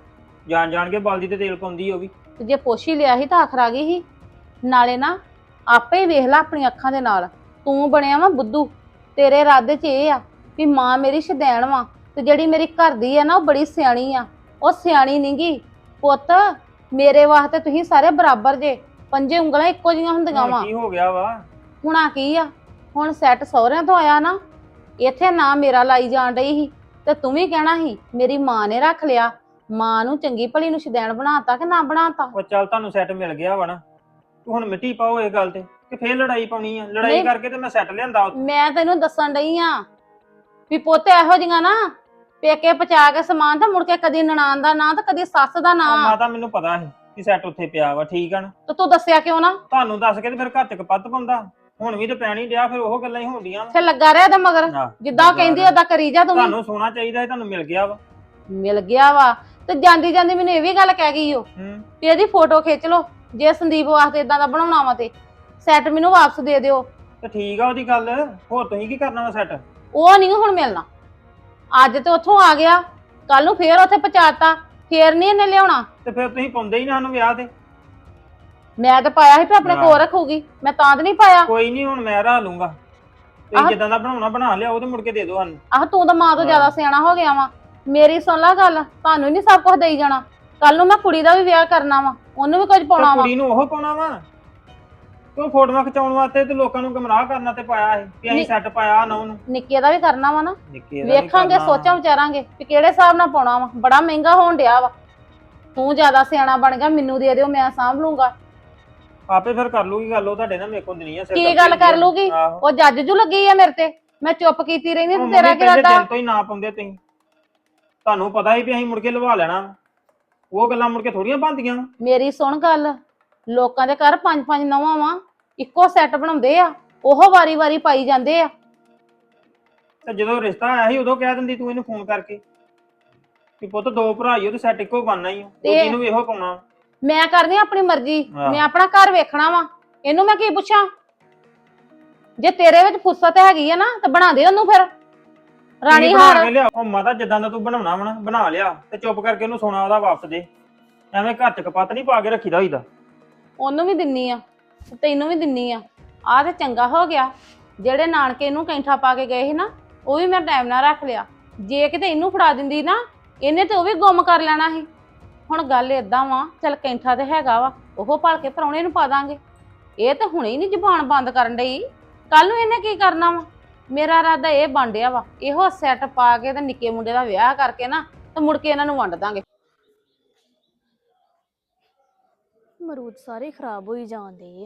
Speaker 4: ਜਾਣ ਕੇ ਬਾਲਦੀ ਤੇ ਤੇਲ ਪਾਉਂਦੀ ਉਹ ਵੀ।
Speaker 2: ਤੇ ਜੇ ਪੁੱਛ ਹੀ ਲਿਆ ਸੀ ਤਾਂ ਆਖਰ ਆ ਗਈ ਸੀ। ਨਾਲੇ ਨਾ ਆਪੇ ਹੀ ਵੇਖ ਲੈ ਆਪਣੀ ਅੱਖਾਂ ਦੇ ਨਾਲ, ਤੂੰ ਬਣਿਆ ਵਾ ਬੁੱਧੂ। ਤੇਰੇ ਇਰਾਦੇ 'ਚ ਇਹ ਆ ਵੀ ਮਾਂ ਮੇਰੀ ਸ਼ਦੈਣ ਵਾ, ਤੇ ਜਿਹੜੀ ਮੇਰੀ ਘਰ ਦੀ ਆ ਨਾ ਉਹ ਬੜੀ ਸਿਆਣੀ ਆ। ਉਹ ਸਿਆਣੀ ਨੀ ਗੀ ਪੁੱਤ, ਮੇਰੇ ਵਾਸਤੇ ਤੁਸੀਂ ਸਾਰੇ ਬਰਾਬਰ ਜੇ, ਪੰਜੇ ਉਂਗਲਾਂ ਇੱਕੋ ਜੀਆਂ ਹੁੰਦੀਆਂ ਵਾ।
Speaker 4: ਹੁਣ ਕੀ ਹੋ ਗਿਆ ਵਾ?
Speaker 2: ਹੁਣਾ ਕੀ ਆ, ਹੁਣ ਸੈੱਟ ਸਹੁਰਿਆਂ ਤੋਂ ਆਇਆ ਨਾ, ਇੱਥੇ ਨਾ ਮੇਰਾ ਲਾਈ ਜਾਣ ਡਈ ਸੀ ਤੇ ਤੂੰ ਵੀ ਕਹਿਣਾ ਸੀ ਮੇਰੀ ਮਾਂ ਨੇ ਰੱਖ ਲਿਆ। ਮਾਂ ਨੂੰ ਚੰਗੀ ਭਲੀ ਨੂੰ ਸ਼ਦੈਣ ਬਣਾਤਾ ਕਿ ਨਾ ਬਣਾਤਾ?
Speaker 4: ਉਹ ਚੱਲ ਤੁਹਾਨੂੰ ਸੈੱਟ ਮਿਲ ਗਿਆ ਵਾ ਨਾ, ਤੂੰ ਹੁਣ ਮਿੱਟੀ ਪਾਓ ਇਹ ਗੱਲ ਤੇ ਕਿ ਫੇਰ ਲੜਾਈ ਪਾਉਣੀ ਆ। ਲੜਾਈ
Speaker 2: ਨਹੀਂ।
Speaker 4: ਕਰਕੇ ਤੇ ਮੈਂ ਸੈੱਟ ਲਿਆਂਦਾ ਉੱਥੇ।
Speaker 2: ਮੈਂ ਤੈਨੂੰ ਦੱਸਣ ਡਈ ਆ ਵੀ ਪੁੱਤ ਇਹੋ ਜਿਹੀਆਂ ਨਾ ਪੇਕੇ ਪਚਾ ਕੇ ਸਮਾਨ ਤਾਂ ਮੁੜ ਕੇ ਕਦੀ ਨਨਾਣ ਦਾ ਨਾਂ ਤੇ ਕਦੀ ਸੱਸ ਦਾ ਨਾਂ।
Speaker 4: ਮਾਤਾ ਮੈਨੂੰ ਪਤਾ ਸੀ ਕਿ ਸੈੱਟ ਉੱਥੇ ਪਿਆ ਵਾ, ਠੀਕ ਆ ਨਾ?
Speaker 2: ਤੇ ਤੂੰ ਦੱਸਿਆ ਕਿਉਂ ਨਾ?
Speaker 4: ਤੁਹਾਨੂੰ ਦੱਸ ਕੇ ਤੇ ਫਿਰ ਘਰ ਚ ਕਪੱਤ ਪਾਉਂਦਾ। ਹੁਣ ਵੀ ਤੇ ਪੈਣੀ ਡਿਆ, ਫਿਰ ਉਹ ਗੱਲਾਂ ਹੀ ਹੋਣਡੀਆਂ
Speaker 2: ਫਿਰ ਲੱਗਾ ਰਿਹਾ ਇਹਦਾ ਮਗਰ, ਜਿੱਦਾਂ ਉਹ ਕਹਿੰਦੀ ਓਦਾਂ ਕਰੀ ਜਾ ਤੂੰ ਵੀ।
Speaker 4: ਤੁਹਾਨੂੰ ਸੋਨਾ ਚਾਹੀਦਾ ਸੀ, ਤੁਹਾਨੂੰ ਮਿਲ ਗਿਆ ਵਾ।
Speaker 2: ਮਿਲ ਗਿਆ ਵਾ ਤੇ ਜਾਂਦੀ ਜਾਂਦੀ ਮੈਨੂੰ ਇਹ ਵੀ ਗੱਲ ਕਹਿ ਗਈ ਓ ਵੀ ਇਹਦੀ ਫੋਟੋ ਖਿੱਚ ਲਓ, ਜੇ ਸੰਦੀਪ ਵਾਸਤੇ ਇਦਾਂ ਦਾ ਬਣਾਉਣਾ ਵਾ ਤੇ ਸੈੱਟ ਮੈਨੂੰ ਵਾਪਸ ਦੇ ਦਿਓ।
Speaker 4: ਤੇ ਠੀਕ ਆ ਉਹਦੀ ਗੱਲ, ਹੋਰ ਤੁਸੀਂ ਕੀ ਕਰਨਾ ਵਾ ਸੈੱਟ?
Speaker 2: ਉਹ ਨਹੀਂ ਹੁਣ ਮਿਲਣਾ। ਅੱਜ ਤੇ ਉੱਥੋਂ ਆ ਗਿਆ, ਕੱਲ ਨੂੰ ਫੇਰ ਉੱਥੇ ਪਹੁੰਚਾਤਾ, ਫੇਰ ਨਹੀਂ ਇਹਨੇ ਲਿਆਉਣਾ।
Speaker 4: ਤੇ ਫਿਰ ਤੁਸੀਂ ਪਾਉਂਦੇ ਹੀ ਨਾ ਸਾਨੂੰ ਵਿਆਹ ਤੇ।
Speaker 2: ਮੈਂ ਤਾਂ ਪਾਇਆ ਸੀ ਵੀ ਆਪਣੇ ਕੋਲ ਰੱਖੂਗੀ, ਮੈਂ ਤਾਂ ਤੇ ਨਹੀਂ ਪਾਇਆ।
Speaker 4: ਕੋਈ ਨਹੀਂ, ਹੁਣ ਮੈਂ ਰਾਹ ਲੂੰਗਾ। ਤੁਸੀਂ ਜਿੱਦਾਂ ਦਾ ਬਣਾਉਣਾ ਬਣਾ ਲਿਆ, ਉਹ ਤੇ ਮੁੜ ਕੇ ਦੇ ਦਿਓ ਸਾਨੂੰ।
Speaker 2: ਆਹ ਤੂੰ ਤਾਂ ਮਾਂ ਤੋਂ ਜ਼ਿਆਦਾ ਸਿਆਣਾ ਹੋ ਗਿਆ ਵਾ। ਮੇਰੀ ਸੁਣ ਲੈ ਗੱਲ, ਤੁਹਾਨੂੰ ਨਹੀਂ ਸਭ ਕੁਝ ਦੇਈ ਜਾਣਾ। ਕੱਲ ਨੂੰ ਮੈਂ ਕੁੜੀ ਦਾ ਵੀ ਵਿਆਹ ਕਰਨਾ ਵਾ, ਉਹਨੂੰ ਵੀ ਕੁਝ ਪਾਉਣਾ ਵਾ।
Speaker 4: ਕੁੜੀ ਨੂੰ ਉਹ ਪਾਉਣਾ ਵਾ, ਤੂੰ ਫੋਟੋਆਂ ਖਿਚਾਉਣ ਵਾਸਤੇ ਤੇ ਲੋਕਾਂ ਨੂੰ ਗੁੰਮਰਾਹ ਕਰਨਾ ਤੇ ਪਾਇਆ ਸੀ ਕਿ ਅਸੀਂ ਸੈੱਟ ਪਾਇਆ ਨਾ ਉਹਨੂੰ।
Speaker 2: ਨਿੱਕੇ ਦਾ ਵੀ ਕਰਨਾ ਵਾ ਨਾ,
Speaker 4: ਨਿੱਕੇ ਦਾ ਵੀ
Speaker 2: ਵੇਖਾਂਗੇ
Speaker 4: ਕਰਨਾ।
Speaker 2: ਸੋਚਾਂ ਵਿਚਾਰਾਂਗੇ ਵੀ ਕਿਹੜੇ ਹਿਸਾਬ ਨਾਲ ਪਾਉਣਾ ਵਾ। ਬੜਾ ਮਹਿੰਗਾ ਹੋਣ ਡਿਆ ਵਾ। ਤੂੰ ਜ਼ਿਆਦਾ ਸਿਆਣਾ ਬਣ ਗਿਆ, ਮੈਨੂੰ ਦੇ ਦਿਓ, ਮੈਂ ਸਾਂਭ ਲੂੰਗਾ।
Speaker 4: ਆਪੇ ਫਿਰ ਕਰ ਲੂਗੀ ਗੱਲ, ਉਹ ਤੁਹਾਡੇ ਨਾਲ ਮੇਰੇ ਕੋਲ ਨਹੀਂ ਆ।
Speaker 2: ਕੀ ਗੱਲ ਕਰ ਲੂਗੀ? ਉਹ ਜੱਜ ਜੂ ਲੱਗੀ ਆ ਮੇਰੇ ਤੇ, ਮੈਂ ਚੁੱਪ ਕੀਤੀ ਰਹਿੰਦੀ ਤੇ ਤੇਰਾ ਕੀ
Speaker 4: ਪਹਿਲੇ
Speaker 2: ਰਾਦਾ?
Speaker 4: ਦਿਨ ਤੋਂ ਹੀ ਨਾ ਪਾਉਂਦੇ ਤੁਸੀਂ, ਤੁਹਾਨੂੰ ਪਤਾ ਸੀ ਵੀ ਅਸੀਂ ਮੁੜ ਕੇ ਲਵਾ ਲੈਣਾ। ਉਹ ਗੱਲਾਂ ਮੁੜ ਕੇ ਥੋੜੀਆਂ ਬਣਦੀਆਂ।
Speaker 2: ਮੇਰੀ ਸੁਣ ਗੱਲ, ਲੋਕਾਂ ਦੇ ਘਰ 5-5 ਨੌਵਾਂ ਵਾ, ਇੱਕੋ ਸੈੱਟ ਬਣਾਉਂਦੇ ਆ, ਉਹ ਵਾਰੀ-ਵਾਰੀ ਪਾਈ ਜਾਂਦੇ ਆ।
Speaker 4: ਤੇ ਜਦੋਂ ਰਿਸ਼ਤਾ ਆਇਆ ਸੀ ਉਦੋਂ ਕਹਿ ਦਿੰਦੀ ਤੂੰ ਇਹਨੂੰ ਫੋਨ ਕਰਕੇ ਕਿ ਪੁੱਤ ਦੋ ਭਰਾ ਹੀ ਉਹ ਤੇ ਸੈੱਟ ਇੱਕੋ ਬਣਨਾ ਹੀ, ਉਹ ਨੂੰ ਵੀ ਇਹੋ ਪਾਉਣਾ।
Speaker 2: ਮੈਂ ਕਰਦੀ ਆਪਣੀ ਮਰਜ਼ੀ, ਮੈਂ ਆਪਣਾ ਘਰ ਵੇਖਣਾ ਵਾ, ਇਹਨੂੰ ਮੈਂ ਕੀ ਪੁੱਛਾਂ? ਜੇ ਤੇਰੇ ਵਿੱਚ ਫੁਰਸਤ ਹੈਗੀ ਆ ਨਾ ਤਾਂ ਬਣਾ ਦੇ ਉਹਨੂੰ ਫਿਰ ਰਾਣੀ ਹਾਰ।
Speaker 4: ਉਹ ਮਾਤਾ ਜਿੱਦਾਂ ਦਾ ਤੂੰ ਬਣਾਉਣਾ ਵਾ ਨਾ ਬਣਾ ਲਿਆ, ਤੇ ਚੁੱਪ ਕਰਕੇ ਉਹਨੂੰ ਸੋਨਾ ਉਹਦਾ ਵਾਪਸ ਦੇ। ਐਵੇਂ ਘਰ ਚ ਕਪੱਤ ਨਹੀਂ ਪਾ ਕੇ ਰੱਖੀਦਾ ਹੋਈਦਾ।
Speaker 2: ਉਹਨੂੰ ਵੀ ਦਿੰਨੀ ਆ, ਤੈਨੂੰ ਵੀ ਦਿੰਨੀ ਆ। ਆਹ ਤੇ ਚੰਗਾ ਹੋ ਗਿਆ, ਜਿਹੜੇ ਨਾਨਕੇ ਇਹਨੂੰ ਕੈਂਠਾ ਪਾ ਕੇ ਗਏ ਸੀ ਨਾ, ਉਹ ਵੀ ਮੈਂ ਟਾਈਮ ਨਾਲ ਰੱਖ ਲਿਆ। ਜੇ ਕਿਤੇ ਇਹਨੂੰ ਫੜਾ ਦਿੰਦੀ ਨਾ, ਇਹਨੇ ਤੇ ਉਹ ਵੀ ਗੁੰਮ ਕਰ ਲੈਣਾ ਸੀ। ਹੁਣ ਗੱਲ ਏਦਾਂ ਵਾ, ਚੱਲ ਕੈਂਠਾ ਤੇ ਹੈਗਾ ਵਾ, ਉਹ ਭਲ ਕੇ ਪਰਾਉਣੇ ਨੂੰ ਪਾ ਦਾਂਗੇ। ਇਹ ਤੇ ਹੁਣੇ ਹੀ ਨਹੀਂ ਜ਼ੁਬਾਨ ਬੰਦ ਕਰਨ ਡਈ, ਕੱਲ ਨੂੰ ਇਹਨੇ ਕੀ ਕਰਨਾ ਵਾ? ਮੇਰਾ ਇਰਾਦਾ ਇਹ ਬਣ ਡਿਆ ਵਾ, ਇਹੋ ਸੈੱਟ ਪਾ ਕੇ ਤੇ ਨਿੱਕੇ ਮੁੰਡੇ ਦਾ ਵਿਆਹ ਕਰਕੇ ਨਾ ਤੇ ਮੁੜ ਕੇ ਇਹਨਾਂ ਨੂੰ ਵੰਡ ਦਾਂਗੇ।
Speaker 3: ਮਰੂਦ ਸਾਰੇ ਖਰਾਬ ਹੋਈ ਜਾਂਦੇ ਆ।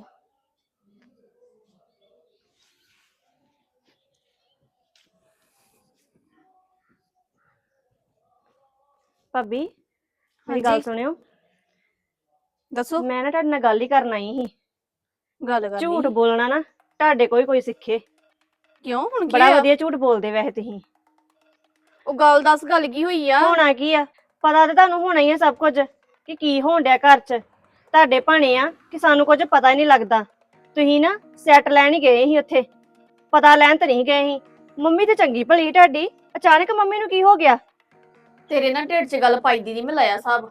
Speaker 1: ਭਾਬੀ ਮੇਰੀ ਗੱਲ ਸੁਣਿਓ,
Speaker 3: ਦੱਸੋ।
Speaker 1: ਮੈਂ ਨਾ ਤੁਹਾਡੇ ਨਾਲ ਗੱਲ ਹੀ ਕਰਨ ਆਈ ਸੀ।
Speaker 3: ਗੱਲ ਕਰ
Speaker 1: ਝੂਠ ਬੋਲਣਾ ਨਾ ਤੁਹਾਡੇ ਕੋਈ ਸਿੱਖੇ।
Speaker 3: ਕਿਉਂ? ਹੁਣ ਕੀ
Speaker 1: ਬੜਾ
Speaker 3: ਆ?
Speaker 1: ਵਧੀਆ ਝੂਠ ਬੋਲਦੇ ਵੈਸੇ ਤੁਸੀਂ।
Speaker 3: ਉਹ ਗੱਲ ਦੱਸ, ਗੱਲ ਕੀ ਹੋਈ ਆ?
Speaker 1: ਹੋਣਾ ਕੀ ਆ, ਪਤਾ ਤੇ ਤੁਹਾਨੂੰ ਹੋਣਾ ਹੀ ਆ ਸਭ ਕੁਝ ਕਿ ਕੀ ਹੋਣ ਡਿਆ ਘਰ 'ਚ। ਤੁਹਾਡੇ ਭਾਣੇ ਆ ਕਿ ਸਾਨੂੰ ਕੁਝ ਪਤਾ ਹੀ ਨਹੀਂ ਲੱਗਦਾ। ਤੁਸੀਂ ਨਾ ਸੈੱਟ ਲੈਣ ਹੀ ਗਏ ਸੀ ਉੱਥੇ, ਪਤਾ ਲੈਣ ਤਾਂ ਨਹੀਂ ਗਏ ਸੀ। ਮੰਮੀ ਤੇ ਚੰਗੀ ਭਲੀ ਤੁਹਾਡੀ, ਅਚਾਨਕ ਮੰਮੀ ਨੂੰ ਕੀ ਹੋ ਗਿਆ?
Speaker 3: ਤੇਰੇ ਨਾਲ ਢਿੱਡ 'ਚ ਗੱਲ ਪਾਈ ਦੀ ਨਹੀਂ ਮੈਂ ਲਾਇਆ ਸਾਹਿਬ।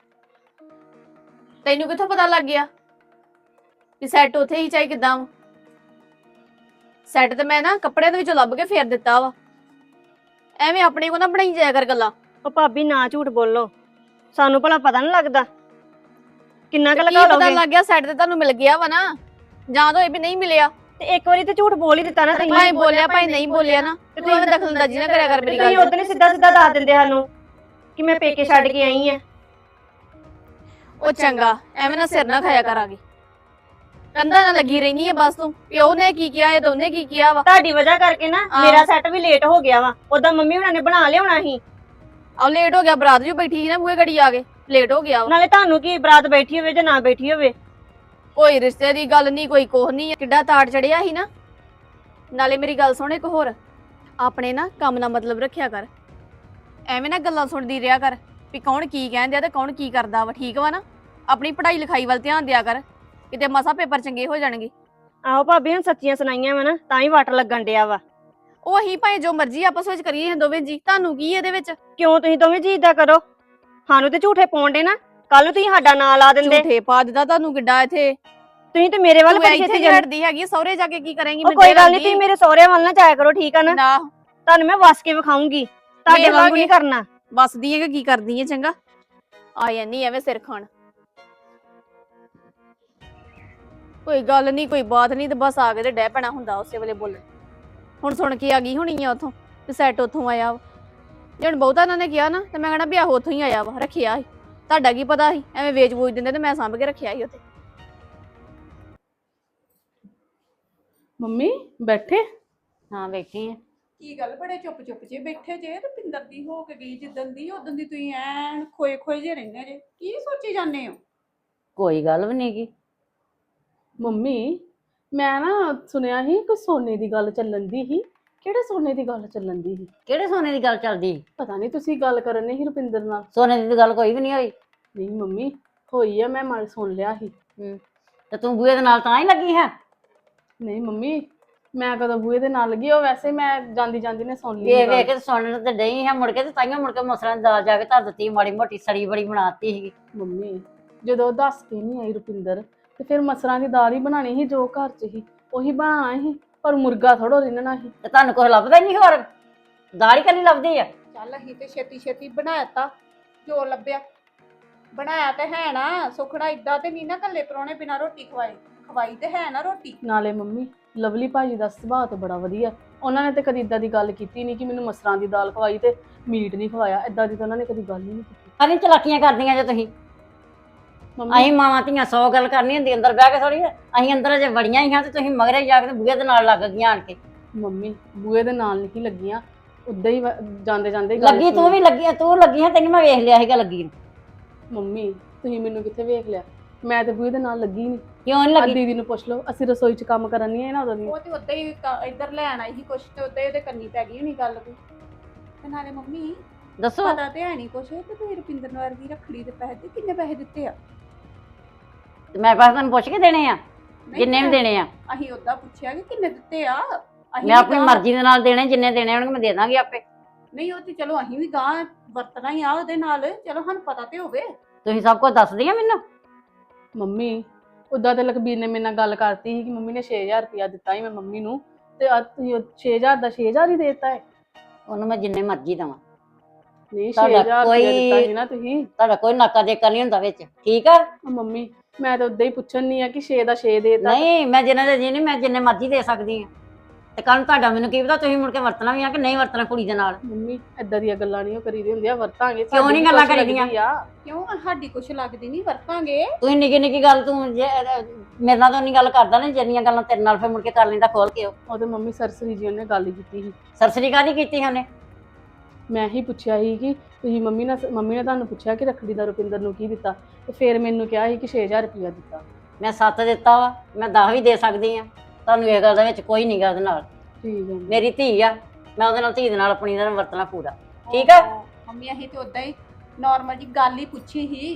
Speaker 3: ਤੈਨੂੰ ਕਿੱਥੋਂ ਪਤਾ ਲੱਗ ਗਿਆ ਵੀ ਸੈੱਟ ਉੱਥੇ ਹੀ ਚਾਹੀ ਕਿਦਾਂ? ਸੈੱਟ ਤੇ ਮੈਂ ਨਾ ਕੱਪੜਿਆਂ ਦੇ ਵਿੱਚੋਂ ਲੱਭ ਕੇ ਫੇਰ ਦਿੱਤਾ ਵਾ। ਐਵੇਂ ਆਪਣੇ ਕੋ ਨਾ ਬਣਾਈ ਜਾਇਆ ਕਰ ਗੱਲਾਂ।
Speaker 1: ਉਹ ਭਾਬੀ ਨਾ ਝੂਠ ਬੋਲੋ, ਸਾਨੂੰ ਭਲਾ ਪਤਾ ਨਹੀਂ ਲੱਗਦਾ ਕਿੰਨਾ ਕੁ
Speaker 3: ਕੀ
Speaker 1: ਲਗਾ
Speaker 3: ਪਤਾ
Speaker 1: ਲੋਗੇ?
Speaker 3: ਲੱਗ ਗਿਆ ਸੈੱਟ ਤੇ ਤੁਹਾਨੂੰ ਮਿਲ ਗਿਆ ਵਾ ਨਾ, ਜਾਂ ਤਾਂ ਇਹ ਵੀ ਨਹੀਂ ਮਿਲਿਆ।
Speaker 1: ਤੇ ਇੱਕ ਵਾਰੀ ਤੇ ਝੂਠ ਬੋਲ ਹੀ ਦਿੱਤਾ ਨਾ ਤੁਸੀਂ।
Speaker 3: ਭਾਈ ਬੋਲਿਆ ਭਾਈ ਨਹੀਂ ਬੋਲਿਆ ਨਾ, ਤੇ ਤੂੰ ਐਵੇਂ ਦਖਲਅੰਦਾਜ਼ੀ ਨਾ ਕਰਿਆ ਕਰ ਮੇਰੀ
Speaker 1: ਤੁਸੀਂ
Speaker 3: ਗੱਲ
Speaker 1: ਉਦੋਂ ਹੀ ਸਿੱਧਾ ਦੱਸ ਦਿੰਦੇ ਸਾਨੂੰ ਕਿ ਮੈਂ ਪੇਕੇ ਛੱਡ ਕੇ ਆਈ ਆ।
Speaker 3: ਉਹ ਚੰਗਾ, ਐਵੇਂ ਨਾ ਸਿਰ ਨਾ ਖਾਇਆ ਕਰਾਂਗੀ। ਕੰਧਾਂ ਨਾਲ ਲੱਗੀ ਰਹਿਣੀ ਹੈ ਬਸ ਤੂੰ, ਪਿਓ ਨੇ ਕੀ ਕਿਹਾ, ਇਹ ਦੋਨੇ ਕੀ ਕਿਹਾ ਵਾ।
Speaker 1: ਤੁਹਾਡੀ ਵਜ੍ਹਾ ਕਰਕੇ ਨਾ ਮੇਰਾ ਸੈੱਟ ਵੀ ਲੇਟ ਹੋ ਗਿਆ ਵਾ। ਉਦਾਂ ਮੰਮੀ ਹੁਣਾਂ ਨੇ ਬਣਾ ਲਿਆਉਣਾ ਸੀ।
Speaker 3: ਆ ਲੇਟ ਹੋ ਗਿਆ, ਬਰਾਤ ਜੋ ਬੈਠੀ ਸੀ ਨਾ ਬੂਹੇ ਘੜੀ ਆ ਕੇ ਲੇਟ ਹੋ ਗਿਆ ਵਾ।
Speaker 1: ਨਾਲੇ ਤੁਹਾਨੂੰ ਕੀ ਬਰਾਤ ਬੈਠੀ ਹੋਵੇ ਜਾਂ ਨਾ ਬੈਠੀ ਹੋਵੇ,
Speaker 3: ਕੋਈ ਰਿਸ਼ਤੇ ਦੀ ਗੱਲ ਨਹੀਂ, ਕੋਈ ਕੋਹ ਨਹੀਂ, ਕਿੱਡਾ ਤਾੜ ਚੜਿਆ ਸੀ ਨਾ। ਨਾਲੇ ਮੇਰੀ ਗੱਲ ਸੁਣ ਇੱਕ ਹੋਰ, ਆਪਣੇ ਨਾ ਕੰਮ ਨਾਲ ਮਤਲਬ ਰੱਖਿਆ ਕਰ, ਐਵੇਂ ਨਾ ਗੱਲਾਂ ਸੁਣਦੀ ਰਿਹਾ ਕਰ ਵੀ ਕੌਣ ਕੀ ਕਹਿੰਦੇ ਆ ਤੇ ਕੌਣ ਕੀ ਕਰਦਾ ਵਾ, ਠੀਕ ਵਾ ਨਾ। ਆਪਣੀ ਪੜ੍ਹਾਈ ਲਿਖਾਈ ਵੱਲ ਧਿਆਨ ਦਿਆ ਕਰ, ਕਿਤੇ ਮਸਾ ਪੇਪਰ ਚੰਗੇ ਹੋ ਜਾਣਗੇ।
Speaker 1: ਆਹੋ ਭਾਬੀ ਹੁਣ ਸੱਚੀਆਂ ਸੁਣਾਈਆਂ ਵਾ ਨਾ ਤਾਂ ਹੀ ਵਾਟ ਲੱਗਣ ਡਿਆ ਵਾ।
Speaker 3: ਉਹ ਅਸੀਂ ਭਾਵੇਂ ਜੋ ਮਰਜ਼ੀ ਆਪਸ ਵਿੱਚ ਕਰੀਏ ਅਸੀਂ ਦੋਵੇਂ ਜੀ, ਤੁਹਾਨੂੰ ਕੀ ਇਹਦੇ ਵਿੱਚ?
Speaker 1: ਕਿਉਂ ਤੁਸੀਂ ਦੋਵੇਂ ਜੀ ਏਦਾਂ ਕਰੋ? ਸਾਨੂੰ ਤੇ ਝੂਠੇ ਪਾਉਂਦੇ ਨਾ, ਕੱਲ ਨੂੰ ਤੁਸੀਂ ਸਾਡਾ ਨਾਂ ਲਾ ਦਿੰਦੇ।
Speaker 3: ਝੂਠੇ ਪਾ ਦਿੱਤਾ ਤੁਹਾਨੂੰ ਕਿੱਡਾ ਇੱਥੇ।
Speaker 1: ਤੁਸੀਂ ਤੇ ਮੇਰੇ ਵੱਲ
Speaker 3: ਤੂੰ
Speaker 1: ਬੜੀ
Speaker 3: ਇੱਥੇ
Speaker 1: ਛੇਤੀ
Speaker 3: ਨਹੀਂ
Speaker 1: ਜਾਂਦੇ।
Speaker 3: ਹਟਦੀ ਹੈਗੀ, ਸਹੁਰੇ ਜਾ ਕੇ ਕੀ ਕਰੇਂਗੀ?
Speaker 1: ਉਹ ਕੋਈ ਗੱਲ ਨਹੀਂ, ਤੁਸੀਂ ਮੇਰੇ ਸਹੁਰੇ ਵੱਲ ਨਾ ਜਾਇਆ ਕਰੋ, ਠੀਕ ਆ ਨਾ।
Speaker 3: ਨਾ
Speaker 1: ਤੁਹਾਨੂੰ ਮੈਂ ਵਸ ਕੇ ਵਿਖਾਉਂਗੀ, ਤੁਹਾਡੇ
Speaker 3: ਵੇਖ
Speaker 1: ਵਾਂਗੂ
Speaker 3: ਲਾਂਗੇ।
Speaker 1: ਨਹੀਂ ਕਰਨਾ।
Speaker 3: ਬਸਦੀ ਹੈ ਕਿ ਕੀ ਕਰਦੀ ਹੈ? ਚੰਗਾ ਆ ਜਾਂਦੀ ਐਵੇਂ ਸਿਰ ਖਾਣ। ਕੋਈ ਗੱਲ ਨਹੀਂ, ਕੋਈ ਬਾਤ ਨਹੀਂ, ਤੇ ਬਸ ਆ ਕੇ ਤੇ ਡਹਿ ਪੈਣਾ ਹੁੰਦਾ ਉਸੇ ਵੇਲੇ ਬੋਲਣ। ਹੁਣ ਸੁਣ ਕੇ ਆ ਗਈ ਹੋਣੀ ਆ ਉਥੋਂ ਤੇ ਸੈਟ ਉਥੋਂ ਆਇਆ ਵਾ। ਜੇ ਹੁਣ ਬਹੁਤਾ ਇਹਨਾਂ ਨੇ ਕਿਹਾ ਨਾ ਤੇ ਮੈਂ ਕਹਿਣਾ ਵੀ ਆਹੋ ਉਥੋਂ ਹੀ ਆਇਆ ਵਾ, ਰੱਖਿਆ ਸੀ। ਤੁਹਾਡਾ ਕੀ ਪਤਾ ਸੀ, ਐਵੇਂ ਵੇਚ ਵੂਚ ਦਿੰਦੇ ਤੇ ਮੈਂ ਸਾਂਭ ਕੇ ਰੱਖਿਆ ਸੀ ਉੱਥੇ।
Speaker 6: ਮੰਮੀ ਬੈਠੇ?
Speaker 5: ਹਾਂ ਬੈਠੀ ਆ।
Speaker 6: ਕੀ ਗੱਲ ਬੜੇ ਚੁੱਪ ਚੁੱਪ ਜੇ ਬੈਠੇ ਜੇ? ਤੇ ਪਿੰਦਰ ਦੀ ਹੋ ਕੇ ਗਈ ਜਿੱਦਣ ਦੀ, ਉਦੋਂ ਦੀ ਤੁਸੀਂ ਐਨ ਖੋਏ ਖੋਏ ਜੇ ਰਹਿੰਦੇ ਜੇ, ਕੀ ਸੋਚੀ ਜਾਂਦੇ ਹੋ?
Speaker 5: ਕੋਈ ਗੱਲ ਵੀ ਨਹੀਂ ਗੀ।
Speaker 6: ਮੰਮੀ ਮੈਂ ਨਾ ਸੁਣਿਆ ਸੀ ਕੋਈ ਸੋਨੇ ਦੀ ਗੱਲ ਚੱਲਣ ਦੀ ਸੀ। ਕਿਹੜੇ ਸੋਨੇ ਦੀ ਗੱਲ ਚੱਲਣ ਦੀ ਸੀ?
Speaker 5: ਕਿਹੜੇ ਸੋਨੇ ਦੀ ਗੱਲ ਚੱਲਦੀ?
Speaker 6: ਪਤਾ ਨਹੀਂ, ਤੁਸੀਂ ਗੱਲ ਕਰਨ ਨਹੀਂ ਸੀ ਰੁਪਿੰਦਰ ਨਾਲ।
Speaker 5: ਸੋਨੇ ਦੀ ਤਾਂ ਗੱਲ ਕੋਈ ਵੀ ਨਹੀਂ ਹੋਈ।
Speaker 6: ਨਹੀਂ ਮੰਮੀ ਹੋਈ ਆ, ਮੈਂ ਮਨ ਸੁਣ ਲਿਆ ਸੀ।
Speaker 5: ਤੇ ਤੂੰ ਬੂਏ ਦੇ ਨਾਲ ਤਾਂ ਹੀ ਲੱਗੀ ਹੈ?
Speaker 6: ਨਹੀਂ ਮੰਮੀ ਮੈਂ ਕਦੋਂ ਬੂਏ ਦੇ ਨਾਲ ਲੱਗੀ, ਉਹ ਵੈਸੇ ਮੈਂ ਜਾਂਦੀ ਜਾਂਦੀ ਨੇ ਸੁਣ ਲਈ
Speaker 5: ਵੇਖ
Speaker 6: ਗੱਲ।
Speaker 5: ਵੇਖ ਕੇ ਸੁਣਨ ਤੇ ਡਈ ਹੈ, ਮੁੜ ਕੇ ਤੇ ਤਾਈਆਂ ਮੁੜ ਕੇ ਮਸਰਾਂ ਦੀ ਦਾਲ ਜਾ ਕੇ ਧਰ ਦਿੱਤੀ, ਮਾੜੀ ਮੋਟੀ ਸੜੀ ਬੜੀ ਬਣਾਤੀ ਸੀਗੀ।
Speaker 6: ਮੰਮੀ ਜਦੋਂ ਦੱਸ ਕੇ ਨਹੀਂ ਆਈ ਰੁਪਿੰਦਰ ਤੇ ਫਿਰ ਮਸਰਾਂ ਦੀ ਦਾਲ ਹੀ ਬਣਾਣੀ ਸੀ, ਜੋ ਘਰ 'ਚ ਸੀ ਉਹੀ ਬਣਾਉਣਾ ਸੀ, ਪਰ ਮੁਰਗਾ ਥੋੜੋ ਰਿੰਨਣਾ ਸੀ।
Speaker 5: ਤੇ ਤੁਹਾਨੂੰ ਕੁਛ ਲੱਭਦਾ ਹੀ ਨਹੀਂ ਹੋਰ? ਦਾਲ ਹੀ ਕੱਲੀ ਲੱਭਦੀ ਆ?
Speaker 6: ਚੱਲ ਅਸੀਂ ਤੇ ਛੇਤੀ ਛੇਤੀ ਬਣਾਇਆ, ਜੋ ਲੱਭਿਆ ਬਣਾਇਆ ਤੇ ਹੈ ਨਾ। ਸੁਖੜਾ ਇਦਾਂ ਤੇ ਨਹੀਂ ਨਾ ਕੱਲੇ ਪਰੋਣੇ ਬਿਨਾਂ ਰੋਟੀ ਖਵਾਈ ਤੇ ਹੈ ਨਾ ਰੋਟੀ। ਨਾਲੇ ਮੰਮੀ ਲਵਲੀ ਭਾਜੀ ਦਾ ਸੁਭਾਅ ਤਾਂ ਬੜਾ ਵਧੀਆ, ਉਹਨਾਂ ਨੇ ਤੇ ਕਦੀ ਇਦਾਂ ਦੀ ਗੱਲ ਕੀਤੀ ਨਹੀਂ ਕਿ ਮੈਨੂੰ ਮਸਰਾਂ ਦੀ ਦਾਲ ਖਵਾਈ ਤੇ ਮੀਟ ਨਹੀਂ ਖਵਾਇਆ, ਇਦਾਂ ਦੀ ਤਾਂ ਉਹਨਾਂ ਨੇ ਕਦੀ ਗੱਲ ਹੀ ਨਹੀਂ ਕੀਤੀ।
Speaker 5: ਅਰੇ ਚਲਾਕੀਆਂ ਕਰਦੀਆਂ ਜੇ ਤੁਸੀਂ।
Speaker 6: ਮੰਮੀ
Speaker 5: ਅਸੀਂ ਮਾਵਾਂ ਧੀਆਂ 100 ਗੱਲ ਕਰਨੀ ਹੁੰਦੀ, ਅੰਦਰ ਬਹਿ ਕੇ ਥੋੜੀ। ਅਸੀਂ ਅੰਦਰ ਅਜੇ ਵੜੀਆਂ ਹੀ ਹਾਂ ਤੇ ਤੁਸੀਂ ਮਗਰੇ ਜਾ ਕੇ ਬੂਹੇ ਦੇ ਨਾਲ ਲੱਗ ਗਈਆਂ ਆਣ ਕੇ।
Speaker 6: ਮੰਮੀ ਬੂਏ ਦੇ ਨਾਲ ਨਹੀਂ ਲੱਗੀਆਂ, ਉਦਾਂ ਹੀ ਜਾਂਦੇ ਜਾਂਦੇ ਗੱਲ
Speaker 5: ਲੱਗੀ ਤੂੰ
Speaker 6: ਸੁਣੀ।
Speaker 5: ਵੀ ਲੱਗੀ, ਤੂੰ ਲੱਗੀ ਹੈ, ਤੈਨੂੰ ਮੈਂ ਵੇਖ ਲਿਆ ਸੀਗਾ ਲੱਗੀ ਨੂੰ।
Speaker 6: ਮੰਮੀ ਤੁਸੀਂ ਮੈਨੂੰ ਕਿੱਥੇ ਵੇਖ ਲਿਆ? ਮੈਂ ਤੇ ਬੂਹੇ ਦੇ ਨਾਲ ਲੱਗੀ ਨਹੀਂ।
Speaker 5: ਕਿਉਂ ਨਹੀਂ
Speaker 6: ਆ
Speaker 5: ਲੱਗੀ?
Speaker 6: ਦੀਦੀ ਨੂੰ ਪੁੱਛ ਲਓ, ਅਸੀਂ ਰਸੋਈ 'ਚ ਕੰਮ ਕਰਨ ਨਹੀਂ ਆਏ ਨਾ ਉਦੋਂ ਦੀ।
Speaker 7: ਉਹ ਤੇ ਉਦਾਂ ਹੀ ਇੱਧਰ ਲੈਣ ਆਈ ਸੀ ਕੁਛ, ਤੇ ਉਦਾਂ ਹੀ ਉਹਦੇ ਕੰਨੀ ਪੈ ਗਈ ਹੋਣੀ ਗੱਲ ਕੋਈ। ਤੇ ਨਾਲੇ ਮੰਮੀ
Speaker 5: ਦੱਸੋ।
Speaker 7: ਪਤਾ ਤੇ ਹੈ ਨਹੀਂ ਕੁਛ, ਤੇ ਤੁਸੀਂ ਰੁਪਿੰਦਰ ਨੂੰ ਵਰਗੀ ਰੱਖੜੀ ਦੇ ਪੈਸੇ ਕਿੰਨੇ ਪੈਸੇ ਦਿੱਤੇ ਆ?
Speaker 5: ਤੇ ਮੈਂ ਪਾਸ ਤੁਹਾਨੂੰ ਪੁੱਛ ਕੇ ਦੇਣੇ ਆ,
Speaker 7: ਨਹੀਂ
Speaker 5: ਜਿੰਨੇ ਵੀ ਦੇਣੇ ਆ।
Speaker 7: ਅਸੀਂ ਉਦਾਂ ਪੁੱਛਿਆ ਕਿ ਕਿੰਨੇ ਦਿੱਤੇ ਆ। ਅਸੀਂ
Speaker 5: ਮੈਂ
Speaker 7: ਵੀ
Speaker 5: ਆਪਣੀ
Speaker 7: ਗਾਂਹ-
Speaker 5: ਮਰਜ਼ੀ ਦੇ ਨਾਲ ਦੇਣੇ, ਜਿੰਨੇ ਦੇਣੇ ਹੋਣਗੇ ਮੈਂ ਦੇ ਦਾਂਗੀ ਆਪੇ।
Speaker 7: ਨਹੀਂ ਉਹ ਤੇ ਚਲੋ ਅਸੀਂ ਵੀ ਗਾਂ ਵਰਤਣਾ ਹੀ ਆ ਉਹਦੇ ਨਾਲ, ਚਲੋ ਸਾਨੂੰ ਪਤਾ ਤੇ ਹੋਵੇ।
Speaker 5: ਤੁਸੀਂ ਸਭ ਕੁਝ ਦੱਸਦੀ ਆ ਮੈਨੂੰ।
Speaker 6: ਮੰਮੀ ਉਦਾਂ ਤੇ ਲਖਬੀਰ ਨੇ ਮੇਰੇ ਨਾਲ ਗੱਲ ਕਰਤੀ ਸੀ ਕਿ ਮੰਮੀ ਨੇ 6000 ਰੁਪਇਆ ਦਿੱਤਾ ਸੀ ਮੈਂ ਮੰਮੀ ਨੂੰ, ਤੇ ਅੱਜ ਤੁਸੀਂ 6000 ਦਾ 6000 ਹੀ ਦੇਤਾ ਹੈ।
Speaker 5: ਉਹਨੂੰ ਮੈਂ ਜਿੰਨੇ ਮਰਜ਼ੀ ਦੇਵਾਂ,
Speaker 6: ਨਹੀਂ
Speaker 5: ਤੁਹਾਡਾ
Speaker 6: 6000 ਰੁਪਇਆ
Speaker 5: ਕੋਈ-
Speaker 6: ਦਿੱਤਾ ਸੀ ਨਾ ਤੁਸੀਂ।
Speaker 5: ਤੁਹਾਡਾ ਕੋਈ ਨਾਕਾ ਦੇਕਾ ਨਹੀਂ ਹੁੰਦਾ ਵਿੱਚ, ਠੀਕ ਆ?
Speaker 6: ਉਹ ਮੰਮੀ ਮੈਂ ਤਾਂ ਉਦਾਂ ਹੀ ਪੁੱਛਣ ਨਹੀਂ ਆ ਕਿ 6 ਦਾ 6 ਦੇਤਾ।
Speaker 5: ਨਹੀਂ, ਮੈਂ ਜਿੰਨੇ ਦੇ ਜੀ ਨਹੀਂ, ਮੈਂ ਜਿੰਨੇ ਮਰਜ਼ੀ ਦੇ ਸਕਦੀ ਆ। ਤੇ ਕੱਲ ਤੁਹਾਡਾ ਮੈਨੂੰ ਕੀ ਪਤਾ ਤੁਸੀਂ ਮੁੜ ਕੇ ਵਰਤਣਾ ਵੀ ਆ ਕਿ ਨਹੀਂ ਵਰਤਣਾ ਕੁੜੀ ਦੇ ਨਾਲ।
Speaker 6: ਮੰਮੀ ਏਦਾਂ ਦੀਆਂ ਗੱਲਾਂ ਨਹੀਂ ਉਹ ਕਰੀਦੀ ਹੁੰਦੀਆਂ, ਵਰਤਾਂਗੇ।
Speaker 5: ਕਿਉਂ
Speaker 6: ਸਾਡੀ
Speaker 5: ਨੀ
Speaker 6: ਵੀ
Speaker 5: ਗੱਲਾਂ
Speaker 6: ਕੁਛ
Speaker 5: ਕਰੀਦੀਆਂ?
Speaker 6: ਲੱਗਦੀ ਆ।
Speaker 7: ਕਿਉਂ ਸਾਡੀ ਕੁਛ ਲੱਗਦੀ ਨਹੀਂ, ਵਰਤਾਂਗੇ।
Speaker 5: ਤੁਸੀਂ ਨਿੱਕੀ ਨਿੱਕੀ ਗੱਲ ਤੂੰ ਮੇਰੇ ਨਾਲ ਤਾਂ ਨਹੀਂ ਗੱਲ ਕਰਦਾ ਨਾ, ਜਿੰਨੀਆਂ ਗੱਲਾਂ ਤੇਰੇ ਨਾਲ ਫਿਰ ਮੁੜ ਕੇ ਕਰ ਲੈਂਦਾ ਖੋਲ ਕੇ।
Speaker 6: ਉਹ ਤੇ ਮੰਮੀ ਸਰਸਰੀ ਜੀ ਉਹਨੇ ਗੱਲ ਹੀ ਕੀਤੀ ਸੀ।
Speaker 5: ਸਰਸਰੀ ਕਾਹਦੀ ਕੀਤੀ ਉਹਨੇ?
Speaker 6: ਮੈਂ ਹੀ ਪੁੱਛਿਆ ਸੀ ਕਿ ਤੁਸੀਂ ਮੰਮੀ ਨੇ ਤੁਹਾਨੂੰ ਪੁੱਛਿਆ ਕਿ ਰੱਖੜੀ ਦਾ ਰੁਪਿੰਦਰ ਨੂੰ ਕੀ ਦਿੱਤਾ, ਤੇ ਫਿਰ ਮੈਨੂੰ ਕਿਹਾ ਸੀ ਕਿ 6000 ਰੁਪਇਆ ਦਿੱਤਾ।
Speaker 5: ਮੈਂ 7 ਦਿੱਤਾ ਵਾ, ਮੈਂ 10 ਵੀ ਦੇ ਸਕਦੀ ਆ। ਤੁਹਾਨੂੰ ਇਹ ਗੱਲ ਦੇ ਵਿੱਚ ਕੋਈ ਨਹੀਂ ਗਾ ਉਹਦੇ ਨਾਲ।
Speaker 6: ਠੀਕ ਹੈ
Speaker 5: ਮੇਰੀ ਧੀ ਆ, ਮੈਂ ਉਹਦੇ ਨਾਲ ਧੀ ਦੇ ਨਾਲ ਆਪਣੀ ਦਾ ਵਰਤਣਾ ਪੂਰਾ, ਠੀਕ ਆ?
Speaker 7: ਮੰਮੀ ਅਸੀਂ ਤੇ ਉਦਾਂ ਹੀ ਨਾਰਮਲ ਜੀ ਗੱਲ ਹੀ ਪੁੱਛੀ ਸੀ।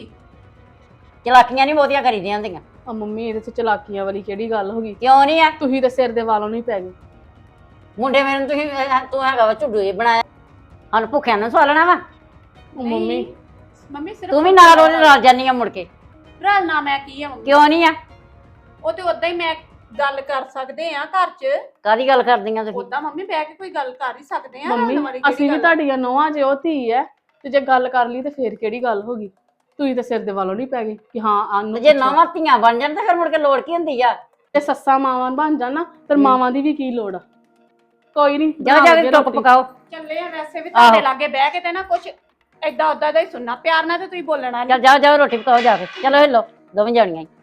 Speaker 5: ਚਲਾਕੀਆਂ ਨਹੀਂ ਬਹੁਤੀਆਂ ਕਰੀਦੀਆਂ ਹੁੰਦੀਆਂ।
Speaker 6: ਆ ਮੰਮੀ ਇਹਦੇ 'ਚ ਚਲਾਕੀਆਂ ਵਾਲੀ ਕਿਹੜੀ ਗੱਲ ਹੋ ਗਈ?
Speaker 5: ਕਿਉਂ ਨਹੀਂ ਆ?
Speaker 6: ਤੁਸੀਂ ਤੇ ਸਿਰ ਦੇ ਵਾਲੋਂ ਨਹੀਂ ਪੈ ਗਏ।
Speaker 5: ਮੁੰਡੇ ਮੇਰੇ ਨੂੰ ਤੂੰ ਹੈਗਾ ਵਾ ਝੁੱਡੂ ਜਿਹਾ ਬਣਾਇਆ, ਸਾਨੂੰ ਭੁੱਖਿਆਂ ਨੂੰ ਸਵਾਲਣਾ ਵਾ।
Speaker 6: ਉਹ ਮੰਮੀ
Speaker 7: ਮੰਮੀ ਸਿਰਫ
Speaker 5: ਤੂੰ ਵੀ ਨਾਲ ਉਹਦੇ ਨਾਲ ਜਾਨੀ ਆ ਮੁੜ ਕੇ।
Speaker 7: ਭਰਾ ਨਾ ਮੈਂ ਕੀ ਆ ਮੰਮੀ,
Speaker 5: ਕਿਉਂ ਨਹੀਂ ਆ?
Speaker 7: ਉਹ ਤੇ ਉਦਾਂ ਹੀ ਮੈਂ ਗੱਲ ਕਰ ਸਕਦੇ ਆ ਘਰ 'ਚ।
Speaker 5: ਕਾਹਦੀ ਗੱਲ ਕਰਦੀਆਂ ਤੁਸੀਂ?
Speaker 7: ਉਦਾਂ ਮੰਮੀ ਬਹਿ ਕੇ ਕੋਈ ਗੱਲ ਕਰ ਹੀ ਸਕਦੇ ਆ। ਰਲਣ ਵਾਲੀ
Speaker 6: ਮੰਮੀ
Speaker 7: ਕਿਹੜੀ
Speaker 6: ਅਸੀਂ ਵੀ
Speaker 7: ਗੱਲ ਆ?
Speaker 6: ਤੁਹਾਡੀਆਂ ਨੋਹਾਂ ਜੇ ਉਹ ਧੀ ਹੈ, ਤੇ ਜੇ ਗੱਲ ਕਰ ਲਈ ਤੇ ਫੇਰ ਕਿਹੜੀ ਗੱਲ ਹੋ ਗਈ? ਤੁਸੀਂ ਤੇ ਸਿਰ ਦੇ ਵਾਲੋਂ ਨਹੀਂ ਪੈ ਗਏ ਕਿ ਹਾਂ ਆਨੂੰ
Speaker 5: ਜੇ ਨਵਾਂ ਧੀਆਂ ਬਣ ਜਾਣ ਤਾਂ ਫਿਰ ਮੁੜ ਕੇ ਲੋੜ ਕੀ ਹੁੰਦੀ ਆ?
Speaker 6: ਤੇ ਸੱਸਾਂ ਮਾਵਾਂ ਬਣ ਜਾਣ ਨਾ, ਫਿਰ ਮਾਵਾਂ ਦੀ ਵੀ ਕੀ ਲੋੜ ਆ? ਕੋਈ ਨਹੀਂ
Speaker 5: ਜਾ ਜਾ ਕੇ ਟੁੱਕ ਪਕਾਓ।
Speaker 7: ਚੱਲੇ ਆ ਵੈਸੇ ਵੀ ਤੁਹਾਡੇ ਲਾਗੇ ਬਹਿ ਕੇ ਤੇ ਨਾ ਕੁਛ ਏਦਾਂ ਉਦਾਂ ਦਾ ਹੀ ਸੁਣਨਾ, ਪਿਆਰ ਨਾਲ ਤੇ ਤੁਸੀਂ ਬੋਲਣਾ ਨੀ।
Speaker 5: ਚੱਲ ਜਾਓ ਜਾਓ ਰੋਟੀ ਪਕਾਓ ਜਾ ਕੇ। ਚਲੋ ਹਿੱਲੋ ਦੋਵੇਂ ਜਾਣੀਆਂ ਹੀ।